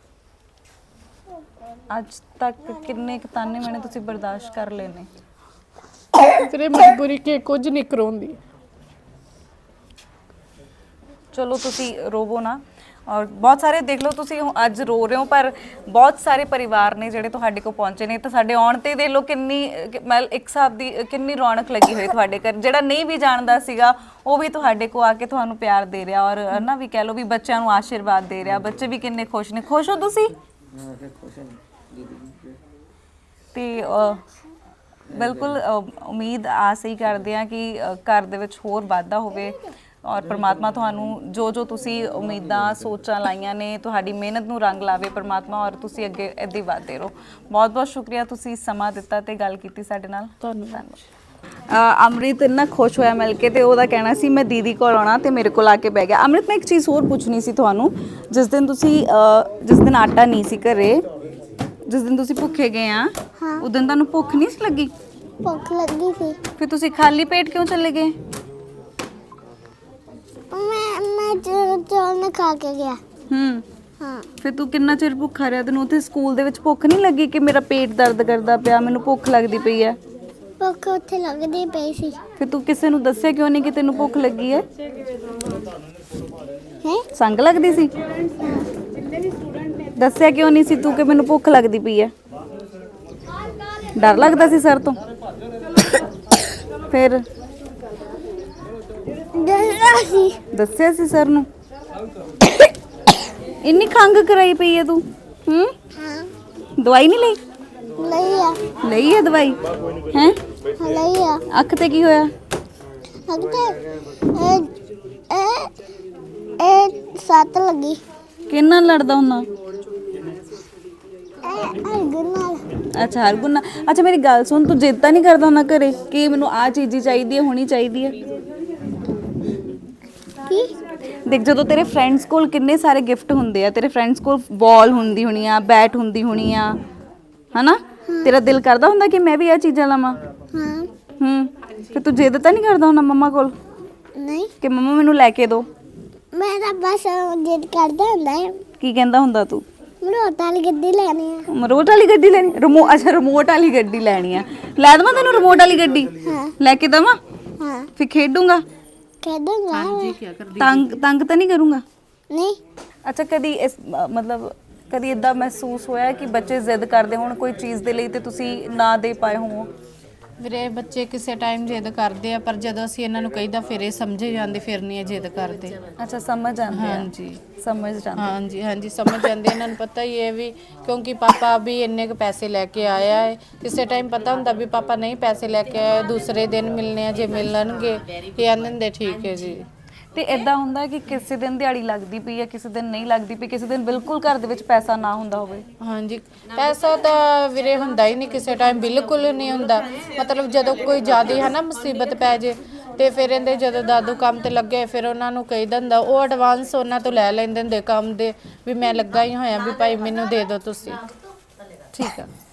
ਅੱਜ ਤੱਕ ਕਿੰਨੇ ਕੁ ਤਾਨੇ ਮੈਣੇ ਤੁਸੀਂ ਬਰਦਾਸ਼ਤ ਕਰ ਲਏ ਨੇ?
ਤੇਰੇ ਮਜਬੂਰੀ ਕਿ ਕੁਝ ਨਹੀਂ ਕਰਾਉਂਦੀ।
ਚਲੋ ਤੁਸੀਂ ਰੋਵੋ ਨਾ, ਔਰ ਬਹੁਤ ਸਾਰੇ ਦੇਖ ਲਓ ਤੁਸੀਂ ਅੱਜ ਰੋ ਰਹੇ ਹੋ, ਪਰ ਬਹੁਤ ਸਾਰੇ ਪਰਿਵਾਰ ਨੇ ਜਿਹੜੇ ਤੁਹਾਡੇ ਕੋਲ ਪਹੁੰਚੇ ਨੇ। ਤਾਂ ਸਾਡੇ ਆਉਣ ਤੇ ਦੇਖ ਲਓ ਕਿੰਨੀ ਮਤਲਬ ਇੱਕ ਹਿਸਾਬ ਦੀ ਕਿੰਨੀ ਰੌਣਕ ਲੱਗੀ ਹੋਈ ਤੁਹਾਡੇ ਘਰ। ਜਿਹੜਾ ਨਹੀਂ ਵੀ ਜਾਣਦਾ ਸੀਗਾ ਉਹ ਵੀ ਤੁਹਾਡੇ ਕੋਲ ਆ ਕੇ ਤੁਹਾਨੂੰ ਪਿਆਰ ਦੇ ਰਿਹਾ, ਔਰ ਨਾ ਵੀ ਕਹਿ ਲਓ ਵੀ ਬੱਚਿਆਂ ਨੂੰ ਆਸ਼ੀਰਵਾਦ ਦੇ ਰਿਹਾ। ਬੱਚੇ ਵੀ ਕਿੰਨੇ ਖੁਸ਼ ਨੇ। ਖੁਸ਼ ਹੋ ਤੁਸੀਂ? ਤੇ ਬਿਲਕੁਲ ਉਮੀਦ ਆਸ ਹੀ ਕਰਦੇ ਆ ਕਿ ਘਰ ਦੇ ਵਿੱਚ ਹੋਰ ਵਾਧਾ ਹੋਵੇ, ਔਰ ਪ੍ਰਮਾਤਮਾ ਤੁਹਾਨੂੰ ਜੋ ਜੋ ਤੁਸੀਂ ਉਮੀਦਾਂ ਸੋਚਾਂ ਲਾਈਆਂ ਨੇ, ਤੁਹਾਡੀ ਮਿਹਨਤ ਨੂੰ ਰੰਗ ਲਾਵੇ ਪ੍ਰਮਾਤਮਾ, ਔਰ ਤੁਸੀਂ ਅੱਗੇ ਇੱਦਾਂ ਹੀ ਵਧਦੇ ਰਹੋ। ਬਹੁਤ ਬਹੁਤ ਸ਼ੁਕਰੀਆ, ਤੁਸੀਂ ਸਮਾਂ ਦਿੱਤਾ ਤੇ ਗੱਲ ਕੀਤੀ ਸਾਡੇ ਨਾਲ। ਧੰਨਵਾਦ। ਅੰਮ੍ਰਿਤ ਇੰਨਾ ਖੁਸ਼ ਹੋਇਆ ਮਿਲ ਕੇ, ਤੇ ਉਹਦਾ ਕਹਿਣਾ ਸੀ ਮੈਂ ਦੀਦੀ ਕੋਲ ਆਉਣਾ, ਤੇ ਮੇਰੇ ਕੋਲ ਆ ਕੇ ਬਹਿ ਗਿਆ। ਅੰਮ੍ਰਿਤ, ਮੈਂ ਇੱਕ ਚੀਜ਼ ਹੋਰ ਪੁੱਛਣੀ ਸੀ ਤੁਹਾਨੂੰ। ਜਿਸ ਦਿਨ ਆਟਾ ਨਹੀਂ ਸੀ ਘਰੇ, ਜਿਸ ਦਿਨ ਤੁਸੀਂ ਭੁੱਖੇ ਗਏ ਆ, ਉਸ ਦਿਨ ਤੁਹਾਨੂੰ ਭੁੱਖ ਨਹੀਂ ਸੀ ਲੱਗੀ?
ਭੁੱਖ ਲੱਗੀ ਸੀ।
ਫਿਰ ਤੁਸੀਂ ਖਾਲੀ ਪੇਟ ਕਿਉਂ ਚਲੇ ਗਏ?
ਮੈਂ ਚੌਲ ਨਾ ਖਾ ਕੇ ਗਿਆ। ਹਾਂ।
ਫਿਰ ਤੂੰ ਕਿੰਨਾ ਚਿਰ ਭੁੱਖਾ ਰਿਹਾ? ਤੈਨੂੰ ਉੱਥੇ ਸਕੂਲ ਦੇ ਵਿੱਚ ਭੁੱਖ ਨਹੀਂ ਲੱਗੀ ਕਿ ਮੇਰਾ ਪੇਟ ਦਰਦ ਕਰਦਾ ਪਿਆ, ਮੈਨੂੰ ਭੁੱਖ ਲੱਗਦੀ ਪਈ ਹੈ?
ਭੁੱਖ ਉੱਥੇ ਲੱਗਦੀ ਪਈ ਸੀ।
ਫਿਰ ਤੂੰ ਕਿਸੇ ਨੂੰ ਦੱਸਿਆ ਕਿਉਂ ਨਹੀਂ ਕਿ ਤੈਨੂੰ ਭੁੱਖ ਲੱਗੀ ਹੈ?
ਹੈ
ਸੰਗ ਲੱਗਦੀ ਸੀ? ਦੱਸਿਆ ਕਿਉਂ ਨਹੀਂ ਸੀ ਤੂੰ ਕਿ ਮੈਨੂੰ ਭੁੱਖ ਲੱਗਦੀ ਪਈ ਹੈ? ਡਰ ਲੱਗਦਾ ਸੀ ਸਰ ਤੋਂ? ਫਿਰ ਦੱਸਿਆ ਸੀ ਸਰ ਨੂੰ? ਇੰਨੀ ਖੰਗ ਕਰਾਈ ਪਈ ਹੈ ਤੂੰ?
ਹਾਂ
ਦਵਾਈ ਨਹੀਂ ਲਈ?
ਲਈ ਆ।
ਲਈ ਹੈ ਦਵਾਈ? ਹੈ
ਲਈ ਆ।
ਅੱਖ ਤੇ ਕੀ ਹੋਇਆ?
ਲੱਗਦਾ ਇਹ ਸੱਤ ਲੱਗੀ।
ਕਿੰਨਾ ਲੜਦਾ ਹੁੰਦਾ?
ਹਰਗੁਣ ਨਾਲ।
ਅੱਛਾ ਹਰਗੁਣ ਨਾਲ। ਅੱਛਾ ਮੇਰੀ ਗੱਲ ਸੁਣ, ਤੂੰ ਜਿੱਦ ਤਾਂ ਨਹੀਂ ਕਰਦਾ ਹੁੰਦਾ ਘਰੇ ਕਿ ਮੈਨੂੰ ਆਹ ਚੀਜ਼ ਹੀ ਚਾਹੀਦੀ ਹੈ, ਹੋਣੀ ਚਾਹੀਦੀ ਹੈ?
ਕੀ?
ਦੇਖ ਜਦੋਂ ਤੇਰੇ ਫਰੈਂਡਸ ਕੋਲ ਕਿੰਨੇ ਸਾਰੇ ਗਿਫਟ ਹੁੰਦੇ ਆ, ਤੇਰੇ ਫਰੈਂਡਸ ਕੋਲ ਬਾਲ ਹੁੰਦੀ ਹੋਣੀ ਆ, ਬੈਟ ਹੁੰਦੀ ਹੋਣੀ ਆ, ਹਨਾ? ਤੇਰਾ ਦਿਲ ਕਰਦਾ ਹੁੰਦਾ ਕਿ ਮੈਂ ਵੀ ਇਹ ਚੀਜ਼ਾਂ ਲਵਾਂ?
ਹਾਂ।
ਫਿਰ ਤੂੰ ਜਿੱਦ ਤਾਂ ਨਹੀਂ ਕਰਦਾ ਹੁੰਦਾ ਮੰਮਾ ਕੋਲ
ਨਹੀਂ,
ਕਿ ਮੰਮਾ ਮੈਨੂੰ ਲੈ ਕੇ ਦਿਓ?
ਮੈਂ ਤਾਂ ਬਸ ਜਿੱਦ ਕਰਦਾ ਹੁੰਦਾ ਹੈ।
ਕੀ ਕਹਿੰਦਾ ਹੁੰਦਾ ਤੂੰ?
ਮਰੋਟ ਵਾਲੀ ਗੱਡੀ ਲੈਣੀ ਆ।
ਰਿਮੋਟ ਵਾਲੀ ਗੱਡੀ ਲੈਣੀ? ਅੱਛਾ ਰਿਮੋਟ ਵਾਲੀ ਗੱਡੀ ਲੈਣੀ ਆ। ਲੈ ਦੇਵਾਂ ਤੈਨੂੰ ਰਿਮੋਟ ਵਾਲੀ ਗੱਡੀ? ਲੈ ਕੇ ਦੇਵਾਂ?
ਹਾਂ।
ਫਿਰ ਖੇਡੂੰਗਾ?
ਖੇਡੂੰਗਾ।
ਤੰਗ ਤਾਂ ਨਹੀਂ ਕਰੂੰਗਾ?
ਨਹੀਂ।
ਅੱਛਾ ਕਦੀ ਇਸ ਮਤਲਬ ਕਦੀ ਇਦਾਂ ਮਹਿਸੂਸ ਹੋਇਆ ਕਿ ਬੱਚੇ ਜ਼ਿੱਦ ਕਰਦੇ ਹੋਣ ਕੋਈ ਚੀਜ਼ ਦੇ ਲਈ ਤੇ ਤੁਸੀਂ ਨਾ ਦੇ ਪਾਏ ਹੋਵੋ?
ਵੀਰੇ ਬੱਚੇ ਕਿਸੇ ਟਾਈਮ ਜਿੱਦ ਕਰਦੇ ਆ, ਪਰ ਜਦੋਂ ਅਸੀਂ ਇਹਨਾਂ ਨੂੰ ਕਹੀਦਾ ਫਿਰ ਇਹ ਸਮਝੇ ਜਾਂਦੇ, ਫਿਰ ਨਹੀਂ ਇਹ ਜਿੱਦ ਕਰਦੇ।
ਅੱਛਾ ਸਮਝ ਜਾਂਦੇ ਆ?
ਹਾਂਜੀ
ਸਮਝ ਜਾਂਦੇ।
ਹਾਂਜੀ ਹਾਂਜੀ ਸਮਝ ਜਾਂਦੇ। ਇਹਨਾਂ ਨੂੰ ਪਤਾ ਹੀ ਹੈ ਵੀ ਕਿਉਂਕਿ ਪਾਪਾ ਵੀ ਇੰਨੇ ਕੁ ਪੈਸੇ ਲੈ ਕੇ ਆਇਆ ਹੈ। ਕਿਸੇ ਟਾਈਮ ਪਤਾ ਹੁੰਦਾ ਵੀ ਪਾਪਾ ਨਹੀਂ ਪੈਸੇ ਲੈ ਕੇ ਆਏ, ਦੂਸਰੇ ਦਿਨ ਮਿਲਨੇ ਆ, ਜੇ ਮਿਲਣਗੇ ਇਹ ਆਂਦੇ ਹੁੰਦੇ ਠੀਕ ਹੈ ਜੀ।
ਤੇ ਇਦਾਂ ਹੁੰਦਾ ਕਿ ਕਿਸੇ ਦਿਨ ਦਿਹਾੜੀ ਲੱਗਦੀ ਪਈ ਹੈ, ਕਿਸੇ ਦਿਨ ਨਹੀਂ ਲੱਗਦੀ ਪਈ, ਕਿਸੇ ਦਿਨ ਬਿਲਕੁਲ ਘਰ ਦੇ ਵਿੱਚ ਪੈਸਾ ਨਾ ਹੁੰਦਾ ਹੋਵੇ?
ਹਾਂਜੀ ਪੈਸਾ ਤਾਂ ਵੀਰੇ ਹੁੰਦਾ ਹੀ ਨਹੀਂ ਕਿਸੇ ਟਾਈਮ, ਬਿਲਕੁਲ ਨਹੀਂ ਹੁੰਦਾ। ਮਤਲਬ ਜਦੋਂ ਕੋਈ ਜ਼ਿਆਦਾ ਹੈ ਨਾ ਮੁਸੀਬਤ ਪੈ ਜੇ ਤੇ ਫਿਰ ਇਹਦੇ ਜਦੋਂ ਦਾਦੂ ਕੰਮ ਤੇ ਲੱਗੇ ਫਿਰ ਉਹਨਾਂ ਨੂੰ ਕਹੀ ਦਿੰਦਾ, ਉਹ ਐਡਵਾਂਸ ਉਹਨਾਂ ਤੋਂ ਲੈ ਲੈਂਦੇ ਹੁੰਦੇ ਕੰਮ ਦੇ ਵੀ ਮੈਂ ਲੱਗਾ ਹੀ ਹੋਇਆ ਵੀ ਭਾਈ ਮੈਨੂੰ ਦੇ ਦਿਓ ਤੁਸੀਂ।
ਠੀਕ ਆ।